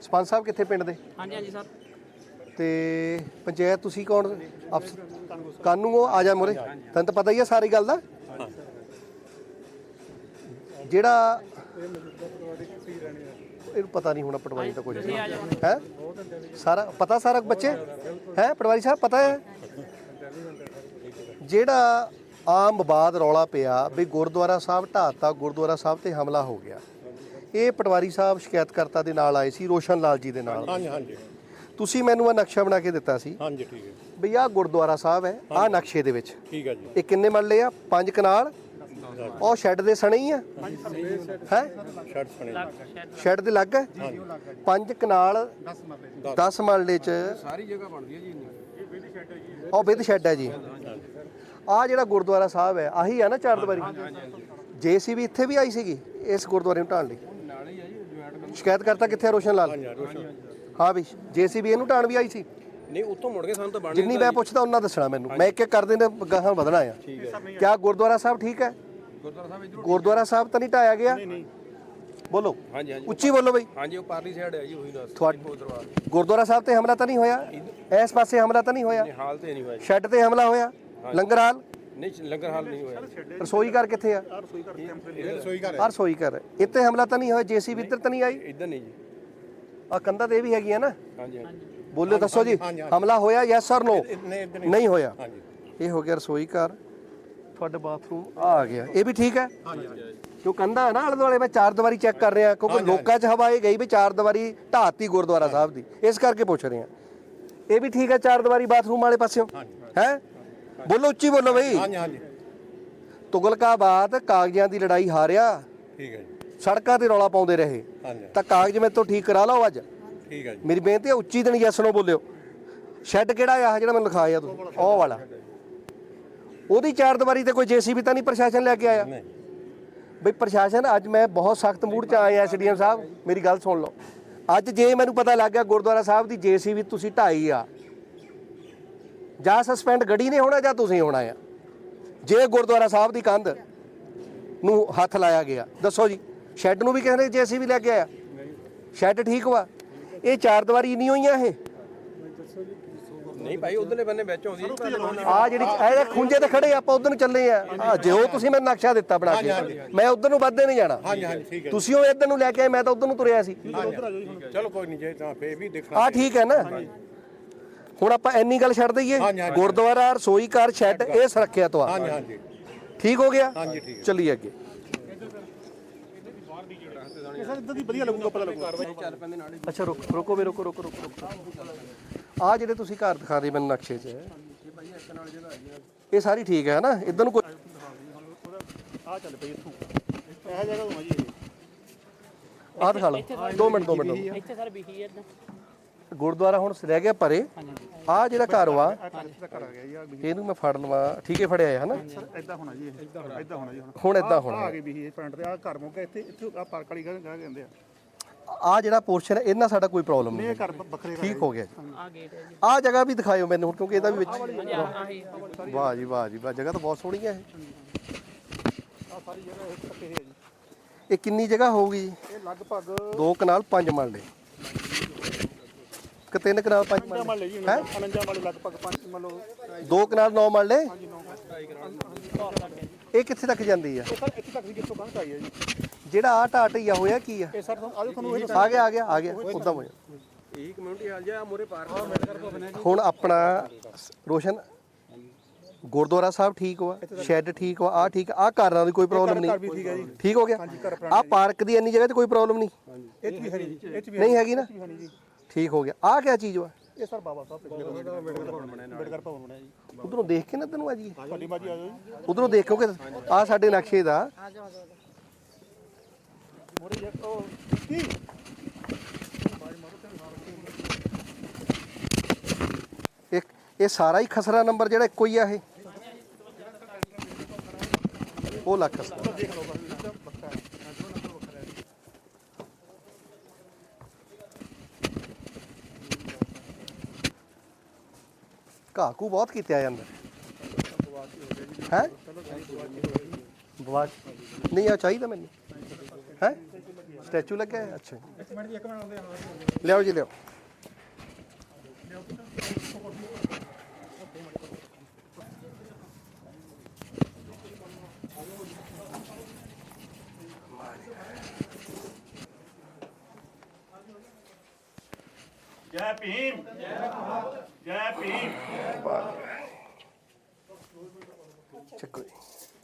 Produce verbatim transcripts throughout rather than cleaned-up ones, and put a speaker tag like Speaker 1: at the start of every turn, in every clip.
Speaker 1: ਸਰਪੰਚ ਸਾਹਿਬ ਕਿੱਥੇ ਪਿੰਡ ਦੇ?
Speaker 2: ਹਾਂਜੀ ਹਾਂਜੀ ਸਰ।
Speaker 1: ਤੇ ਪੰਚਾਇਤ ਤੁਸੀਂ ਕੌਣ ਅਫਸਰ? ਕਾਨੂੰ ਉਹ ਆ ਜਾ ਮੋਰੇ, ਤੈਨੂੰ ਤਾਂ ਪਤਾ ਹੀ ਆ ਸਾਰੀ ਗੱਲ ਦਾ। ਜਿਹੜਾ ਇਹਨੂੰ ਪਤਾ ਨਹੀਂ ਹੋਣਾ ਪਟਵਾਰੀ ਦਾ ਕੁਝ ਹੈ, ਸਾਰਾ ਪਤਾ ਸਾਰਾ ਬੱਚੇ ਹੈ ਪਟਵਾਰੀ ਸਾਹਿਬ ਪਤਾ ਹੈ। ਜਿਹੜਾ ਆਮ ਵਿਵਾਦ ਰੌਲਾ ਪਿਆ ਵੀ ਗੁਰਦੁਆਰਾ ਸਾਹਿਬ ਢਾਤਾ, ਗੁਰਦੁਆਰਾ ਸਾਹਿਬ ਤੇ ਹਮਲਾ ਹੋ ਗਿਆ, ਇਹ ਪਟਵਾਰੀ ਸਾਹਿਬ ਸ਼ਿਕਾਇਤਕਰਤਾ ਦੇ ਨਾਲ ਆਏ ਸੀ, ਰੋਸ਼ਨ ਲਾਲ ਜੀ ਦੇ ਨਾਲ। ਹਾਂਜੀ ਹਾਂਜੀ। ਤੁਸੀਂ ਮੈਨੂੰ ਆ ਨਕਸ਼ਾ ਬਣਾ ਕੇ ਦਿੱਤਾ ਸੀ। ਹਾਂਜੀ ਠੀਕ ਹੈ ਬਈ ਆਹ ਗੁਰਦੁਆਰਾ ਸਾਹਿਬ ਹੈ, ਆਹ ਨਕਸ਼ੇ ਦੇ ਵਿੱਚ ਠੀਕ ਹੈ ਜੀ। ਇਹ ਕਿੰਨੇ ਮਰਲੇ ਆ? ਪੰਜ ਕਨਾਲ। ਉਹ ਸ਼ੈੱਡ ਦੇ ਸਣੇ ਹੀ ਆ ਹੈ, ਸ਼ੈੱਡ ਦੇ ਲੱਗ ਹੈ। ਪੰਜ ਕਨਾਲ ਦਸ ਮਰਲੇ ਚ ਸਾਰੀ ਜਗ੍ਹਾ ਬਣਦੀ ਹੈ ਜੀ। ਉਹ ਵਿਦ ਸ਼ੈੱਡ ਹੈ ਜੀ। ਆਹ ਜਿਹੜਾ ਗੁਰਦੁਆਰਾ ਸਾਹਿਬ ਹੈ ਆਹੀ ਆ ਨਾ ਚਾਰ ਦੀਵਾਰੀ? ਜੇਸੀਬੀ ਇੱਥੇ ਵੀ ਆਈ ਸੀਗੀ ਇਸ ਗੁਰਦੁਆਰੇ ਨੂੰ ਢਾਣ ਲਈ? ਸ਼ਿਕਾਇਤਕਰਤਾ ਕਿੱਥੇ? ਰੋਸ਼ਨ ਲਾਲ। ਹਾਂ ਵੀ ਜੇਸੀਬੀ ਇਹਨੂੰ ਢਾਣ ਵੀ ਆਈ ਸੀ?
Speaker 3: ਨਹੀਂ ਉੱਥੋਂ ਮੁੜ ਕੇ ਸਾਨੂੰ ਤਾਂ ਬਣ
Speaker 1: ਜਿੰਨੀ ਮੈਂ ਪੁੱਛਦਾ ਉਹਨਾਂ ਦੱਸਣਾ ਮੈਨੂੰ, ਮੈਂ ਇੱਕ ਇੱਕ ਕਰਦੇ ਨੇ ਗਾਹਾਂ ਵਧਣਾ ਆ। ਕਿਆ ਗੁਰਦੁਆਰਾ ਸਾਹਿਬ ਠੀਕ ਹੈ? ਗੁਰਦੁਆਰਾ ਸਾਹਿਬ ਤਾਂ ਨਹੀਂ ਢਾਇਆ ਗਿਆ? ਬੋਲੋ ਉੱਚੀ ਬੋਲੋ ਬਈ।
Speaker 3: ਹਾਂਜੀ ਉਹ ਪਾਰਲੀ ਸਾਈਡ ਹੈ ਜੀ, ਉਹੀ ਦੱਸ।
Speaker 1: ਗੁਰਦੁਆਰਾ ਸਾਹਿਬ ਤੇ ਹਮਲਾ ਤਾਂ ਨਹੀਂ ਹੋਇਆ? ਇਸ ਪਾਸੇ ਹਮਲਾ ਤਾਂ ਨਹੀਂ ਹੋਇਆ?
Speaker 3: ਹਾਲ ਤੇ ਨਹੀਂ ਹੋਇਆ।
Speaker 1: ਸ਼ੈੱਡ ਤੇ ਹਮਲਾ ਹੋਇਆ? ਲੰਗਰ ਹਾਲ
Speaker 3: ਨਹੀਂ, ਲੰਗਰ ਹਾਲ ਨਹੀਂ ਹੋਇਆ।
Speaker 1: ਰਸੋਈ ਘਰ ਕਿੱਥੇ ਆ? ਆ ਰਸੋਈ ਘਰ ਇੱਥੇ ਹਮਲਾ ਤਾਂ ਨਹੀਂ ਹੋਇਆ? ਜੇਸੀਬੀ ਇੱਧਰ ਤਾਂ ਨਹੀਂ ਆਈ?
Speaker 3: ਇੱਧਰ ਨਹੀਂ ਜੀ।
Speaker 1: ਆ ਕੰਧਾਂ ਤੇ ਇਹ ਵੀ ਹੈਗੀ ਆ ਨਾ?
Speaker 3: ਹਾਂਜੀ ਹਾਂਜੀ।
Speaker 1: ਬੋਲਿਓ ਦੱਸੋ ਜੀ, ਹਮਲਾ ਹੋਇਆ ਯੈਸ ਔਰ ਨੋ? ਨਹੀਂ ਹੋਇਆ। ਇਹ ਹੋ ਗਿਆ ਰਸੋਈ ਘਰ, ਤੁਹਾਡਾ ਬਾਥਰੂਮ ਆ ਗਿਆ, ਇਹ ਵੀ ਠੀਕ ਹੈ ਜੋ ਕੰਧਾ ਹੈ ਨਾ ਆਲੇ ਦੁਆਲੇ। ਮੈਂ ਚਾਰ ਦੀਵਾਰੀ ਚੈੱਕ ਕਰ ਰਿਹਾ ਕਿਉਂਕਿ ਲੋਕਾਂ 'ਚ ਹਵਾ ਇਹ ਗਈ ਵੀ ਚਾਰ ਦੀਵਾਰੀ ਢਾਤੀ ਗੁਰਦੁਆਰਾ ਸਾਹਿਬ ਦੀ, ਇਸ ਕਰਕੇ ਪੁੱਛ ਰਹੇ ਹਾਂ। ਇਹ ਵੀ ਠੀਕ ਹੈ ਚਾਰ ਦੀਵਾਰੀ ਬਾਥਰੂਮ ਵਾਲੇ ਪਾਸਿਓਂ ਹੈ? ਬੋਲੋ ਉੱਚੀ ਬੋਲੋ ਬਈ। ਤੁਗਲਕਾਬਾਦ ਕਾਗਜ਼ਾਂ ਦੀ ਲੜਾਈ ਹਾਰਿਆ, ਠੀਕ ਹੈ ਜੀ। ਸੜਕਾਂ ਤੇ ਰੌਲਾ ਪਾਉਂਦੇ ਰਹੇ ਤਾਂ ਕਾਗਜ਼ ਮੇਰੇ ਤੋਂ ਠੀਕ ਕਰਾ ਲਓ ਅੱਜ। ਠੀਕ ਹੈ ਜੀ। ਮੇਰੀ ਬੇਨਤੀ ਹੈ ਉੱਚੀ ਦਿਨ ਯੈਸ ਨੋ ਬੋਲਿਓ। ਸ਼ੈੱਡ ਕਿਹੜਾ ਆ ਜਿਹੜਾ ਮੈਨੂੰ ਲਿਖਾਇਆ ਤੁਸੀਂ? ਉਹ ਵਾਲਾ। ਉਹਦੀ ਚਾਰ ਦੀਵਾਰੀ ਤੇ ਕੋਈ ਜੇਸੀਬੀ ਤਾਂ ਨਹੀਂ ਪ੍ਰਸ਼ਾਸਨ ਲੈ ਕੇ ਆਇਆ? ਬਈ ਪ੍ਰਸ਼ਾਸਨ ਅੱਜ ਮੈਂ ਬਹੁਤ ਸਖਤ ਮੂਡ 'ਚ ਆਇਆ। ਐਸਡੀਐਮ ਸਾਹਿਬ ਮੇਰੀ ਗੱਲ ਸੁਣ ਲਓ। ਅੱਜ ਜੇ ਮੈਨੂੰ ਪਤਾ ਲੱਗ ਗਿਆ ਗੁਰਦੁਆਰਾ ਸਾਹਿਬ ਦੀ ਜੇਸੀਬੀ ਤੁਸੀਂ ਢਾਈ ਆ, ਜਾਂ ਸਸਪੈਂਡ ਗੜੀ ਨੇ ਹੋਣਾ ਜਾਂ ਤੁਸੀਂ ਹੋਣਾ ਆ। ਜੇ ਗੁਰਦੁਆਰਾ ਸਾਹਿਬ ਦੀ ਕੰਧ ਨੂੰ ਹੱਥ ਲਾਇਆ ਗਿਆ, ਦੱਸੋ ਜੀ। ਸ਼ੈੱਡ ਨੂੰ ਵੀ ਕਹਿੰਦੇ ਜੇਸੀਬੀ ਲੈ ਕੇ ਆਇਆ, ਸ਼ੈੱਡ ਠੀਕ ਵਾ। ਇਹ ਚਾਰ ਦੀਵਾਰੀ ਨਹੀਂ ਹੋਈਆਂ ਇਹ?
Speaker 3: ਨਹੀਂ ਭਾਈ ਉਧਰਲੇ ਬੰਨੇ ਵਿੱਚ ਆਉਂਦੀ
Speaker 1: ਆ ਜਿਹੜੀ ਇਹ ਖੁੰਝੇ ਤੇ ਖੜੇ ਆਪਾਂ ਉਧਰ ਨੂੰ ਚੱਲੇ ਆ। ਆ ਜਿਉ ਤੁਸੀਂ ਮੈਨੂੰ ਨਕਸ਼ਾ ਦਿੱਤਾ ਬਣਾ ਕੇ, ਮੈਂ ਉਧਰ ਨੂੰ ਵੱਧਦੇ ਨਹੀਂ ਜਾਣਾ। ਤੁਸੀਂ ਉਹ ਇੱਧਰ ਨੂੰ ਲੈ ਕੇ ਆਏ, ਮੈਂ ਤਾਂ ਉਧਰ ਨੂੰ ਤੁਰਿਆ ਸੀ।
Speaker 3: ਚਲੋ ਕੋਈ ਨਹੀਂ, ਜੇ ਤਾਂ ਫੇਰ ਵੀ ਦੇਖਣਾ।
Speaker 1: ਆ ਠੀਕ ਹੈ ਨਾ? ਹੁਣ ਆਪਾਂ ਇੰਨੀ ਗੱਲ ਛੱਡ ਦਈਏ, ਗੁਰਦੁਆਰਾ ਰਸੋਈ ਘਰ ਸ਼ੈੱਡ ਇਹ ਸੁਰੱਖਿਆ ਤੋਂ ਆ, ਠੀਕ ਹੋ ਗਿਆ। ਚੱਲੀਏ ਅੱਗੇ। ਅੱਛਾ ਰੁਕ ਰੁਕੋ ਵੀ ਰੁਕੋ ਰੁਕੋ ਰੁਕੋ। ਆ ਜਿਹੜੇ ਤੁਸੀਂ ਘਰ ਦਿਖਾ ਰਹੇ ਮੈਨੂੰ ਨਕਸ਼ੇ 'ਚ, ਇਹ ਸਾਰੀ ਠੀਕ ਹੈ ਨਾ? ਇੱਧਰ ਨੂੰ ਕੋਈ ਆ ਚੱਲ ਪਈ ਇੱਥੋਂ ਇਹ ਜਗ੍ਹਾ ਹੋਣਾ ਜੀ। ਆ ਦਿਖਾ ਲਓ ਦੋ ਮਿੰਟ ਦੋ ਮਿੰਟ।
Speaker 2: ਇੱਥੇ ਸਰ ਵਿਖੀ ਹੈ
Speaker 1: ਗੁਰਦੁਆਰਾ ਹੁਣ ਰਹਿ ਗਿਆ ਪਰੇ। ਆ ਜਿਹੜਾ ਘਰ ਵਾ ਇਹਨੂੰ ਮੈਂ ਫੜ ਲਵਾਂ, ਠੀਕ ਹੈ ਫੜਿਆ ਹੈ ਨਾ?
Speaker 4: ਇਦਾਂ ਹੋਣਾ ਜੀ, ਇਦਾਂ ਹੋਣਾ ਜੀ।
Speaker 1: ਹੁਣ ਇਦਾਂ ਹੋਣਾ
Speaker 4: ਆ ਗਈ ਵੀ ਪੁਆਇੰਟ ਤੇ ਆ ਘਰ ਮੁੱਕ ਇੱਥੇ ਇੱਥੇ ਆ ਪਾਰਕ ਵਾਲੀ ਗਾਹ ਕਹਿੰਦੇ ਆ।
Speaker 1: ਆ ਜਿਹੜਾ ਪੋਰਸ਼ਨ ਹੈ ਇਹਨਾਂ ਸਾਡਾ ਕੋਈ ਪ੍ਰੋਬਲਮ ਨਹੀਂ,
Speaker 4: ਇਹ ਘਰ ਵੱਖਰੇ
Speaker 1: ਠੀਕ ਹੋ ਗਿਆ ਜੀ।
Speaker 2: ਆ ਗੇਟ ਹੈ ਜੀ।
Speaker 1: ਆ ਜਗ੍ਹਾ ਵੀ ਦਿਖਾਇਓ ਮੈਨੂੰ ਹੁਣ, ਕਿਉਂਕਿ ਇਹਦਾ ਵੀ ਵਿੱਚ। ਵਾਹ ਜੀ ਵਾਹ ਜੀ ਵਾਹ, ਜਗ੍ਹਾ ਤਾਂ ਬਹੁਤ ਸੋਹਣੀ ਹੈ ਇਹ।
Speaker 4: ਆ ਸਾਰੀ ਜਗ੍ਹਾ ਇੱਕ ਪੱਕੇ ਹੈ ਜੀ।
Speaker 1: ਇਹ ਕਿੰਨੀ ਜਗ੍ਹਾ ਹੋਊਗੀ ਜੀ?
Speaker 4: ਇਹ ਲਗਭਗ
Speaker 1: ਦੋ ਕਨਾਲ ਪੰਜ ਮਰਲੇ ਕਿ ਤਿੰਨ ਕਨਾਲ ਪੰਜ
Speaker 4: ਮਰਲੇ ਜੀ ਹੈ। ਉਨੰਜਾ ਮਰਲੇ ਲਗਭਗ ਪੰਜ ਮਰਲੇ,
Speaker 1: ਦੋ ਕਨਾਲ ਨੌ ਮਰਲੇ। ਇਹ ਕਿੱਥੇ ਤੱਕ ਜਾਂਦੀ ਆ?
Speaker 4: ਇਹ ਸਰ ਇੱਥੇ ਤੱਕ ਜਿੱਥੋਂ ਕੰਧ ਆਈ ਹੈ ਜੀ।
Speaker 1: ਜਿਹੜਾ ਆ ਢਾਟਈਆ ਹੋਇਆ ਕੀ ਆ?
Speaker 4: ਇਹ ਸਰ ਆਜੋ ਤੁਹਾਨੂੰ ਇਹ
Speaker 1: ਆ ਗਿਆ ਆ ਗਿਆ ਆ ਗਿਆ ਉਦਾਂ ਹੋਇਆ।
Speaker 3: ਇਹ ਕਮਿਊਨਿਟੀ ਹਾਲ ਜਾ ਮੋਰੇ ਪਾਰਕ।
Speaker 1: ਹੁਣ ਆਪਣਾ ਰੋਸ਼ਨ ਗੁਰਦੁਆਰਾ ਸਾਹਿਬ ਠੀਕ ਵਾ, ਸ਼ੈੱਡ ਠੀਕ ਵਾ, ਆ ਠੀਕ ਆ, ਘਰਾਂ ਦੀ ਕੋਈ ਪ੍ਰੋਬਲਮ ਨਹੀਂ, ਠੀਕ ਹੋ ਗਿਆ। ਆ ਪਾਰਕ ਦੀ ਇੰਨੀ ਜਗ੍ਹਾ ਤੇ ਕੋਈ ਪ੍ਰੋਬਲਮ ਨਹੀਂ,
Speaker 4: ਇਹ ਵੀ ਹੈ ਜੀ, ਇਹ ਵੀ
Speaker 1: ਨਹੀਂ ਹੈਗੀ ਨਾ? ਠੀਕ ਹੋ ਗਿਆ। ਆ ਕਿਆ ਚੀਜ਼ ਵਾ?
Speaker 4: ਇਹ ਸਰ ਬਾਬਾ ਸਾਹਿਬ ਅੰਬੇਡਕਰ ਭਵਨ ਬਣਿਆ ਜੀ।
Speaker 1: ਉਧਰੋਂ ਦੇਖ ਕੇ ਨਾ ਤੈਨੂੰ ਆ ਜੀ,
Speaker 4: ਤੁਹਾਡੀ ਬਾਜੀ ਆ ਜਾਓ ਜੀ।
Speaker 1: ਉਧਰੋਂ ਦੇਖ ਕਿਉਂਕਿ ਆ ਸਾਡੇ ਨਕਸ਼ੇ ਦਾ ਇੱਕ ਇਹ ਸਾਰਾ ਹੀ ਖਸਰਾ ਨੰਬਰ ਜਿਹੜਾ ਇੱਕੋ ਹੀ ਆ। ਇਹ ਉਹ ਲੱਖ ਘਾਕੂ ਬਹੁਤ ਕੀਤੇ ਆ ਜਾਂਦਾ ਹੈ। ਬਵਾਚ ਨਹੀਂ ਆ ਚਾਹੀਦਾ ਮੈਨੂੰ ਹੈ। ਸਟੈਚੂ ਲੱਗਿਆ ਅੱਛਾ।
Speaker 4: ਮਿੰਟ ਜੀ ਇੱਕ ਮਿੰਟ ਆਉਂਦੇ ਆ
Speaker 1: ਲਿਆਓ ਜੀ ਲਿਆਓ।
Speaker 2: ਜੈ ਭੀਮ ਜੈ ਭੀਮ
Speaker 1: ਚੱਕੋ ਜੀ।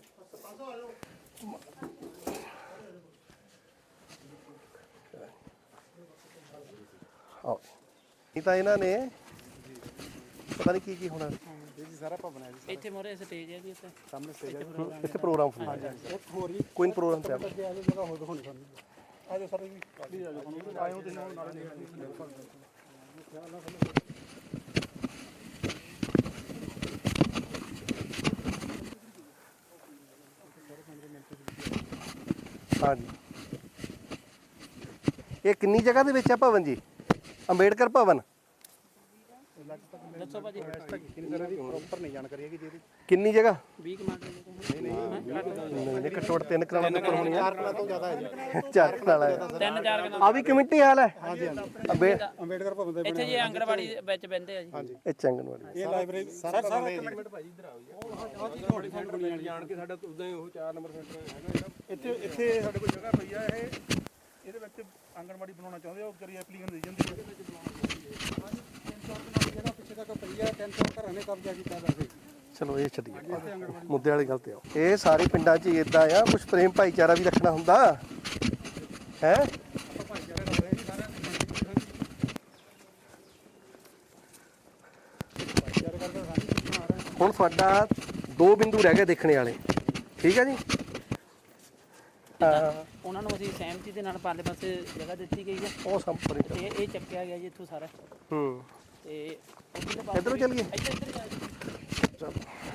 Speaker 1: ਆਓ ਇਹ ਤਾਂ ਇਹਨਾਂ ਨੇ ਪਤਾ ਨਹੀਂ ਕੀ ਕੀ ਹੋਣਾ
Speaker 4: ਜੀ ਸਾਰਾ ਭਵਨ ਹੈ ਜੀ
Speaker 5: ਇੱਥੇ ਮੋਰੇ ਸਟੇਜ ਹੈ ਜੀ ਇੱਥੇ
Speaker 4: ਸਾਹਮਣੇ ਸਟੇਜ ਹੈ
Speaker 1: ਇੱਥੇ ਪ੍ਰੋਗਰਾਮ ਹੋਣਾ
Speaker 4: ਇੱਕ ਹੋਰ ਜੀ
Speaker 1: ਕੋਈ ਪ੍ਰੋਗਰਾਮ ਤੇ
Speaker 4: ਅੱਗੇ ਆ ਜਾਓ ਜਗ੍ਹਾ ਹੋਰ ਦਿਖਾਉਣੀ ਸਾਨੂੰ ਆ ਜਾਓ ਸਰ ਜੀ ਪਲੀਜ਼ ਆ ਜਾਓ ਹੁਣ ਆਏ ਹੋ ਤੁਸੀਂ ਹੁਣ ਨਾਲ
Speaker 1: ਹਾਂਜੀ ਇਹ ਕਿੰਨੀ ਜਗ੍ਹਾ ਦੇ ਵਿੱਚ ਆ ਭਵਨ ਜੀ? ਅੰਬੇਡਕਰ ਭਵਨ
Speaker 5: ਦੱਸੋ ਭਾਜੀ
Speaker 4: ਕਿੰਨੀ ਤਰ੍ਹਾਂ ਦੀ ਪ੍ਰੋਪਰ ਨਹੀਂ ਜਾਣਕਾਰੀ ਹੈਗੀ ਜੀ ਇਹਦੀ
Speaker 1: ਕਿੰਨੀ ਜਗ੍ਹਾ?
Speaker 5: ਵੀਹ ਕਮਾਂਡ
Speaker 1: ਨਹੀਂ ਨਹੀਂ ਘੱਟੋ ਘੱਟ ਤਿੰਨ ਕਰਾਣਾ ਉੱਪਰ ਹੋਣੀ ਆ।
Speaker 4: ਚਾਰ ਕਲਾ ਤੋਂ ਜ਼ਿਆਦਾ ਹੈ ਜੀ
Speaker 1: ਚਾਰ ਕਨਾਲ ਹੈ।
Speaker 5: ਤਿੰਨ ਚਾਰ ਕਨਾਲ
Speaker 1: ਆ ਵੀ ਕਮੇਟੀ ਹਾਲ ਹੈ।
Speaker 4: ਹਾਂਜੀ ਹਾਂਜੀ
Speaker 1: ਅੰਬੇ
Speaker 4: ਅੰਬੇਡਕਰ ਭਵਨ ਦੇ
Speaker 5: ਇੱਥੇ ਜੀ ਆਂਗਣਵਾੜੀ ਵਿੱਚ ਬਹਿੰਦੇ ਆ ਜੀ
Speaker 4: ਹਾਂਜੀ
Speaker 1: ਇਹ ਚੰਗਨਵਾੜੀ
Speaker 4: ਇਹ ਲਾਇਬ੍ਰੇਰੀ ਸਰ ਸਰ ਇੱਕ
Speaker 3: ਮਿੰਟ ਭਾਜੀ ਇੱਧਰ ਆਓ ਜੀ ਤੁਹਾਡੀ ਜਾਣ ਕੇ ਸਾਡਾ ਉਦਾਂ ਹੀ ਉਹ ਚਾਰ ਨੰਬਰ ਸੈਂਟਰ ਹੈਗਾ ਜਿਹੜਾ
Speaker 4: ਇੱਥੇ ਇੱਥੇ ਸਾਡੇ ਕੋਲ ਜਗ੍ਹਾ ਪਈ ਆ ਇਹ ਇਹਦੇ ਵਿੱਚ ਆਂਗਣਵਾੜੀ ਬਣਾਉਣਾ ਚਾਹੁੰਦੇ ਆ ਉਹ ਕਰੀ ਐਪਲੀਕੇਸ਼ਨ ਦੇ ਜਾਂਦੀ ਹੈ ਜਿਹੜਾ ਪਿੱਛੇ ਤੱਕ ਪਈ ਆ ਤਿੰਨ ਸੌ ਘਰਾਂ ਨੇ ਕਬਜ਼ਾ ਕੀਤਾ ਵੈਸੇ
Speaker 1: ਚਲੋ ਇਹ ਛੱਡੀਏ ਮੁੱਦੇ ਵਾਲੀ ਗੱਲ ਤੇ ਆਓ। ਇਹ ਸਾਰੇ ਪਿੰਡਾਂ 'ਚ ਇਦਾਂ ਆ ਕੁਝ ਪ੍ਰੇਮ ਭਾਈਚਾਰਾ ਵੀ ਰੱਖਣਾ ਹੁੰਦਾ ਹੈ।
Speaker 4: ਭਾਈਚਾਰੇ ਦਾ ਹੋਇਆ ਜੀ ਸਾਰਾ ਭਾਈਚਾਰੇ ਕਰਦੇ ਸਾਨੂੰ ਬਣਾ ਰਹੇ
Speaker 1: ਹੁਣ ਤੁਹਾਡਾ ਦੋ ਬਿੰਦੂ ਰਹਿ ਗਏ ਦੇਖਣੇ ਵਾਲੇ, ਠੀਕ ਹੈ ਜੀ। ਹਾਂ
Speaker 5: ਉਹਨਾਂ ਨੂੰ ਅਸੀਂ ਸਹਿਮਤੀ ਦੇ ਨਾਲ ਪਾਲੇ ਪਾਸੇ ਜਗ੍ਹਾ ਦਿੱਤੀ ਗਈ ਹੈ
Speaker 1: ਉਹ ਸੰਪਰੀ
Speaker 5: ਤੇ ਇਹ ਚੱਕਿਆ ਗਿਆ ਜੀ ਇੱਥੋਂ ਸਾਰਾ
Speaker 1: ਹੂੰ
Speaker 5: ਤੇ ਉੱਧਰਲੇ ਪਾਸੇ
Speaker 1: ਇੱਧਰੋਂ ਚੱਲੀਏ।
Speaker 5: ਇੱਧਰ ਇੱਧਰ ਜਾ ਜੀ।
Speaker 1: ਚਲੋ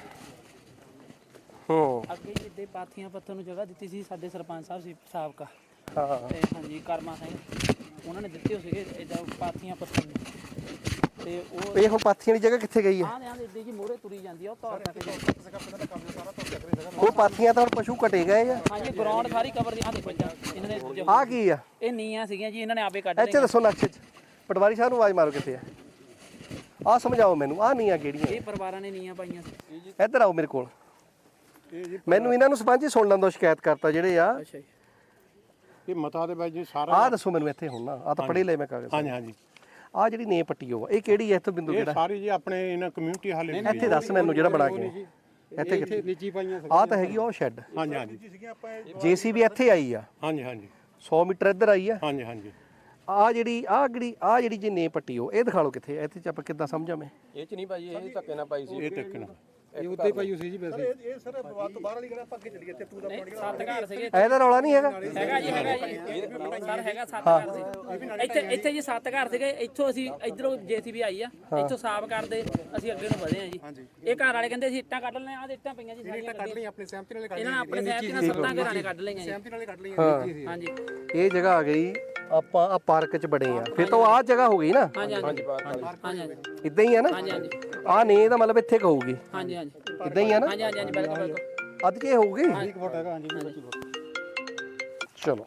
Speaker 1: ਹੂੰ
Speaker 5: ਅੱਗੇ ਜਿੱਦੇ ਪਾਥੀਆਂ ਪੱਥਰ ਨੂੰ ਜਗ੍ਹਾ ਦਿੱਤੀ ਸੀ ਸਾਡੇ ਸਰਪੰਚ ਸਾਹਿਬ ਸੀ ਸਾਬਕਾ
Speaker 1: ਹਾਂ
Speaker 5: ਤੇ ਹਾਂਜੀ ਕਰਮਾ ਸਿੰਘ ਉਹਨਾਂ ਨੇ ਦਿੱਤੇ ਹੋ ਸੀਗੇ ਇਦਾਂ ਪਾਥੀਆਂ ਪੱਥਰ ਨੂੰ ਤੇ ਉਹ
Speaker 1: ਇਹ ਹੁਣ ਪਾਥੀਆਂ ਦੀ ਜਗ੍ਹਾ ਕਿੱਥੇ ਗਈ ਹੈ?
Speaker 5: ਆਹ ਦੇ ਆਹ ਦੇ ਜੀ ਮੋਰੇ ਤੁਰੀ ਜਾਂਦੀ ਆ ਉਹ ਤੌਰ ਤੱਕ
Speaker 4: ਕਿਸੇ ਦਾ ਪਿੰਡ ਦਾ ਕਬਜ਼ਾ ਸਾਰਾ ਤੋਂ ਚੱਕ ਰਹੀ ਜਗ੍ਹਾ
Speaker 1: ਉਹ ਪਾਥੀਆਂ ਤਾਂ ਹੁਣ ਪਸ਼ੂ ਕਟੇ ਗਏ ਆ।
Speaker 5: ਹਾਂਜੀ ਗਰਾਊਂਡ ਸਾਰੀ ਕਵਰ ਦੀ ਆਹ ਦੇਖੋ ਜੀ ਇਹਨਾਂ ਨੇ ਜੋ-
Speaker 1: ਆ ਕੀ ਆ
Speaker 5: ਇਹ ਨੀਆਂ ਸੀਗੀਆਂ ਜੀ ਇਹਨਾਂ ਨੇ ਆਪੇ ਕੱਢ
Speaker 1: ਇੱਥੇ
Speaker 5: ਲਈਆਂ
Speaker 1: ਦੱਸੋ ਨਕਸ਼ੇ 'ਚ ਪਟਵਾਰੀ ਸਾਹਿਬ ਨੂੰ ਆਵਾਜ਼ ਮਾਰੋ ਕਿੱਥੇ ਆ। ਆ ਸਮਝਾਓ ਮੈਨੂੰ ਆ ਨੀਆਂ ਕਿਹੜੀਆਂ?
Speaker 5: ਇਹ ਪਰਿਵਾਰਾਂ ਨੇ ਨੀਆਂ ਪਾਈਆਂ ਸੀ
Speaker 1: ਇੱਧਰ ਆਓ ਮੇਰੇ ਕੋਲ।
Speaker 4: ਇਹ ਜੀ
Speaker 1: ਮੈਨੂੰ ਇਹਨਾਂ ਨੂੰ ਸਰਪੰਚ ਹੀ ਸੁਣ ਲੈਣ ਦਿਓ ਸ਼ਿਕਾਇਤ ਕਰਤਾ ਜਿਹੜੇ ਆ।
Speaker 5: ਅੱਛਾ ਜੀ
Speaker 2: ਇਹ ਮਤਾ ਦੇ ਵਿੱਚ ਜੀ ਸਾਰਾ
Speaker 1: ਆ ਦੱਸੋ ਮੈਨੂੰ ਇੱਥੇ ਹੁਣ ਨਾ ਆ ਤਾਂ ਪੜ੍ਹੇ ਲੈ ਮੈਂ ਕਾਗਜ਼।
Speaker 2: ਹਾਂਜੀ ਹਾਂਜੀ
Speaker 1: ਆ ਜਿਹੜੀ ਨੇ ਪੱਟੀ ਉਹ ਇਹ ਕਿਹੜੀ ਹੈ? ਇੱਥੋਂ ਬਿੰਦੂ
Speaker 2: ਇਹ
Speaker 1: ਕਿਹੜਾ?
Speaker 2: ਸਾਰੀ ਜੀ ਆਪਣੇ ਇਹਨਾਂ ਕਮਿਊਨਿਟੀ ਹਾਲੇ
Speaker 1: ਇੱਥੇ ਦੱਸ ਮੈਨੂੰ ਜਿਹੜਾ ਬਣਾ ਕੇ ਇੱਥੇ
Speaker 4: ਇੱਥੇ ਨੀਚੀ ਪਾਈਆਂ
Speaker 1: ਆ ਤਾਂ ਹੈਗੀ ਉਹ ਸ਼ੈੱਡ।
Speaker 2: ਹਾਂਜੀ ਹਾਂਜੀ
Speaker 4: ਸੀਗੀਆਂ ਆਪਾਂ
Speaker 1: ਜੇਸੀਬੀ ਇੱਥੇ ਆਈ ਆ
Speaker 2: ਹਾਂਜੀ ਹਾਂਜੀ
Speaker 1: ਸੌ ਮੀਟਰ ਇੱਧਰ ਆਈ ਆ।
Speaker 2: ਹਾਂਜੀ ਹਾਂਜੀ
Speaker 1: ਆ ਜਿਹੜੀ ਆ ਜਿਹੜੀ ਆ ਜਿਹੜੀ ਜੇ ਨੇ ਪੱਟੀ ਉਹ ਇਹ ਦਿਖਾ ਲਓ ਕਿੱਥੇ? ਇੱਥੇ ਚ ਆਪਾਂ ਕਿੱਦਾਂ ਸਮਝਾਂ ਮੈਂ?
Speaker 3: ਇਹ ਚ ਨਹੀਂ ਭਾਜੀ ਇਹ ਧੱਕੇ ਨਾਲ ਪਾਈ ਸੀ
Speaker 2: ਇਹ ਤੱਕ ਨਾ
Speaker 4: ਇਹ ਉੱਤੇ ਪਾਈ ਹੋਈ ਸੀ ਜੀ ਵੈਸੇ ਇਹ ਸਰ ਬਾਤ ਤੋਂ ਬਾਹਰ ਵਾਲੀ ਕਿਹੜਾ ਆਪਾਂ ਅੱਗੇ ਚੱਲੀਏ ਇੱਥੇ ਟੂ ਦਾ ਪੁਆਇੰਟ
Speaker 5: ਸੱਤ ਘਰ ਸੀਗੇ
Speaker 1: ਇਹਦਾ ਰੌਲਾ ਨਹੀਂ ਹੈਗਾ।
Speaker 5: ਹੈਗਾ ਜੀ ਹੈਗਾ ਜੀ ਸਰ ਹੈਗਾ ਸੱਤ ਘਰ ਸੀ ਇੱਥੇ ਇੱਥੇ ਜੀ ਸੱਤ ਘਰ ਸੀਗੇ ਇੱਥੋਂ ਅਸੀਂ ਇਧਰੋਂ ਜੇਸੀਬੀ ਆਈ ਆ ਇੱਥੋਂ ਸਾਫ਼ ਕਰਦੇ ਅਸੀਂ ਅੱਗੇ ਨੂੰ ਵਧੇ ਆ ਜੀ ਇਹ ਘਰ ਵਾਲੇ ਕਹਿੰਦੇ ਅਸੀਂ ਇੱਟਾਂ ਕੱਢ ਲੈਣੇ ਆ ਤੇ ਇੱਟਾਂ ਪਈਆਂ ਜੀ ਸਾਰੀਆਂ
Speaker 4: ਕੱਢ ਲਈ ਆਪਣੀ ਸਹਿਮਤੀ ਨਾਲ ਕੱਢ
Speaker 5: ਇਹਨਾਂ ਨੇ ਆਪਣੇ ਸਹਿਬ ਨਾਲ ਸੱਤਾਂ ਘਰਾਂ ਨੇ ਕੱਢ ਲਈਆਂ ਜੀ
Speaker 4: ਸਹਿਮਤੀ ਨਾਲ ਕੱਢ ਲਈਆਂ
Speaker 5: ਹਾਂਜੀ
Speaker 1: ਇਹ ਜਗ੍ਹਾ ਆ ਗਈ ਆਪਾਂ ਆ ਪਾਰਕ ਚ ਬੜੇ ਆ ਫਿਰ ਤਾਂ ਆ ਜਗ੍ਹਾ ਹੋ ਗਈ ਨਾ।
Speaker 5: ਹਾਂਜੀ ਹਾਂਜੀ ਹਾਂਜੀ ਹਾਂਜੀ
Speaker 1: ਇਦਾਂ ਹੀ ਆ ਨਾ।
Speaker 5: ਹਾਂਜੀ ਹਾਂਜੀ
Speaker 1: ਆ ਨੇ ਦਾ ਮਤਲਬ ਇੱਥੇ ਕਹੂਗੀ
Speaker 5: ਹਾਂਜੀ ਹਾਂਜੀ
Speaker 1: ਇਦਾਂ ਹੀ ਆ ਨਾ।
Speaker 5: ਹਾਂਜੀ ਹਾਂਜੀ ਹਾਂਜੀ ਬਿਲਕੁਲ ਬਿਲਕੁਲ
Speaker 1: ਅੱਧ ਕੇ ਹੋਊਗੀ।
Speaker 4: ਇੱਕ ਫੁੱਟ ਹੈਗਾ ਹਾਂਜੀ ਪੱਚੀ ਫੁੱਟ
Speaker 1: ਚਲੋ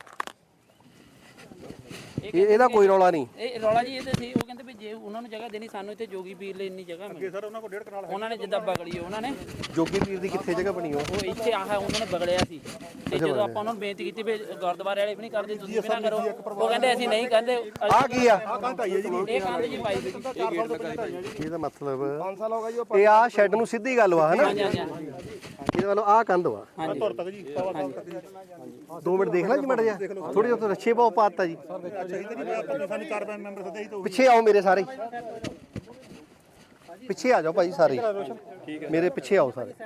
Speaker 1: ਇਹ ਇਹਦਾ ਕੋਈ ਰੌਲਾ ਨਹੀਂ।
Speaker 5: ਇਹ ਰੌਲਾ ਜੀ ਇਹ ਤੇ ਸੀ ਉਹ ਕਹਿੰਦੇ ਵੀ ਜੇ ਉਹਨਾਂ ਨੂੰ ਜਗ੍ਹਾ ਦੇਣੀ ਸਾਨੂੰ ਇੱਥੇ ਜੋਗੀ ਪੀਰ ਲਈ ਇੰਨੀ ਜਗ੍ਹਾ ਮਿਲੀ
Speaker 4: ਸਰ ਉਹਨਾਂ ਕੋਲ ਡੇਢ ਕਨਾਲ
Speaker 5: ਉਹਨਾਂ ਨੇ ਜਿੱਦਾਂ ਬਗਲੀ ਉਹਨਾਂ ਨੇ
Speaker 1: ਜੋਗੀ ਪੀਰ ਦੀ ਕਿੱਥੇ ਜਗ੍ਹਾ ਬਣੀ ਉਹ?
Speaker 5: ਉਹ ਇੱਥੇ ਆਹ ਉਹਨਾਂ ਨੇ ਬਗੜਿਆ ਸੀ ਤੇ ਜਦੋਂ ਆਪਾਂ ਉਹਨਾਂ ਨੂੰ ਬੇਨਤੀ ਕੀਤੀ ਵੀ ਗੁਰਦੁਆਰੇ ਵਾਲੇ ਵੀ ਨਹੀਂ ਕਰਦੇ ਤੁਸੀਂ ਵੀ ਨਾ ਕਰੋ ਉਹ ਕਹਿੰਦੇ ਅਸੀਂ ਨਹੀਂ ਕਹਿੰਦੇ
Speaker 1: ਆ ਕੀ ਆ?
Speaker 4: ਕੰਧ ਆਈ ਹੈ ਜੀ
Speaker 5: ਇਹ ਕੰਧ ਜੀ ਪਾਈ ਸੀ
Speaker 1: ਇਹਦਾ ਮਤਲਬ
Speaker 4: ਪੰਜ ਸਾਲ ਹੋ ਗਏ ਜੀ
Speaker 1: ਇਹ ਆ ਸ਼ੈੱਡ ਨੂੰ ਸਿੱਧੀ ਗੱਲ ਵਾ ਹਨਾ।
Speaker 5: ਹਾਂਜੀ ਹਾਂਜੀ ਹਾਂਜੀ
Speaker 1: ਇਹਦਾ ਮਤਲਬ ਆ ਕੰਧ ਵਾ।
Speaker 5: ਹਾਂਜੀ
Speaker 4: ਧੁਰ ਤੱਕ ਜੀ ਸਵਾ ਸਾਲ ਤੱਕ ਜੀ
Speaker 1: ਦੋ ਮਿੰਟ ਦੇਖ ਲਾਂ ਜੀ ਮੜ ਜਾ ਥੋੜੀ ਜਿਹੀ ਰੱਛੇ ਪਾਉ ਪਾਤਾ ਜੀ।
Speaker 4: ਅੱਛਾ ਜੀ ਤੇ ਜੀ ਆਪਾਂ ਸਾਨੂੰ ਚਾਰ ਪੰਜ ਮੈਂਬਰ ਸਦੇ ਹੀ ਤਾਂ
Speaker 1: ਪਿੱਛੇ ਆਓ ਮੇਰੇ ਸਾਰੇ ਪਿੱਛੇ ਆ ਜਾਓ ਭਾਈ ਸਾਰੇ ਮੇਰੇ ਪਿੱਛੇ ਆਓ ਸਾਰੇ।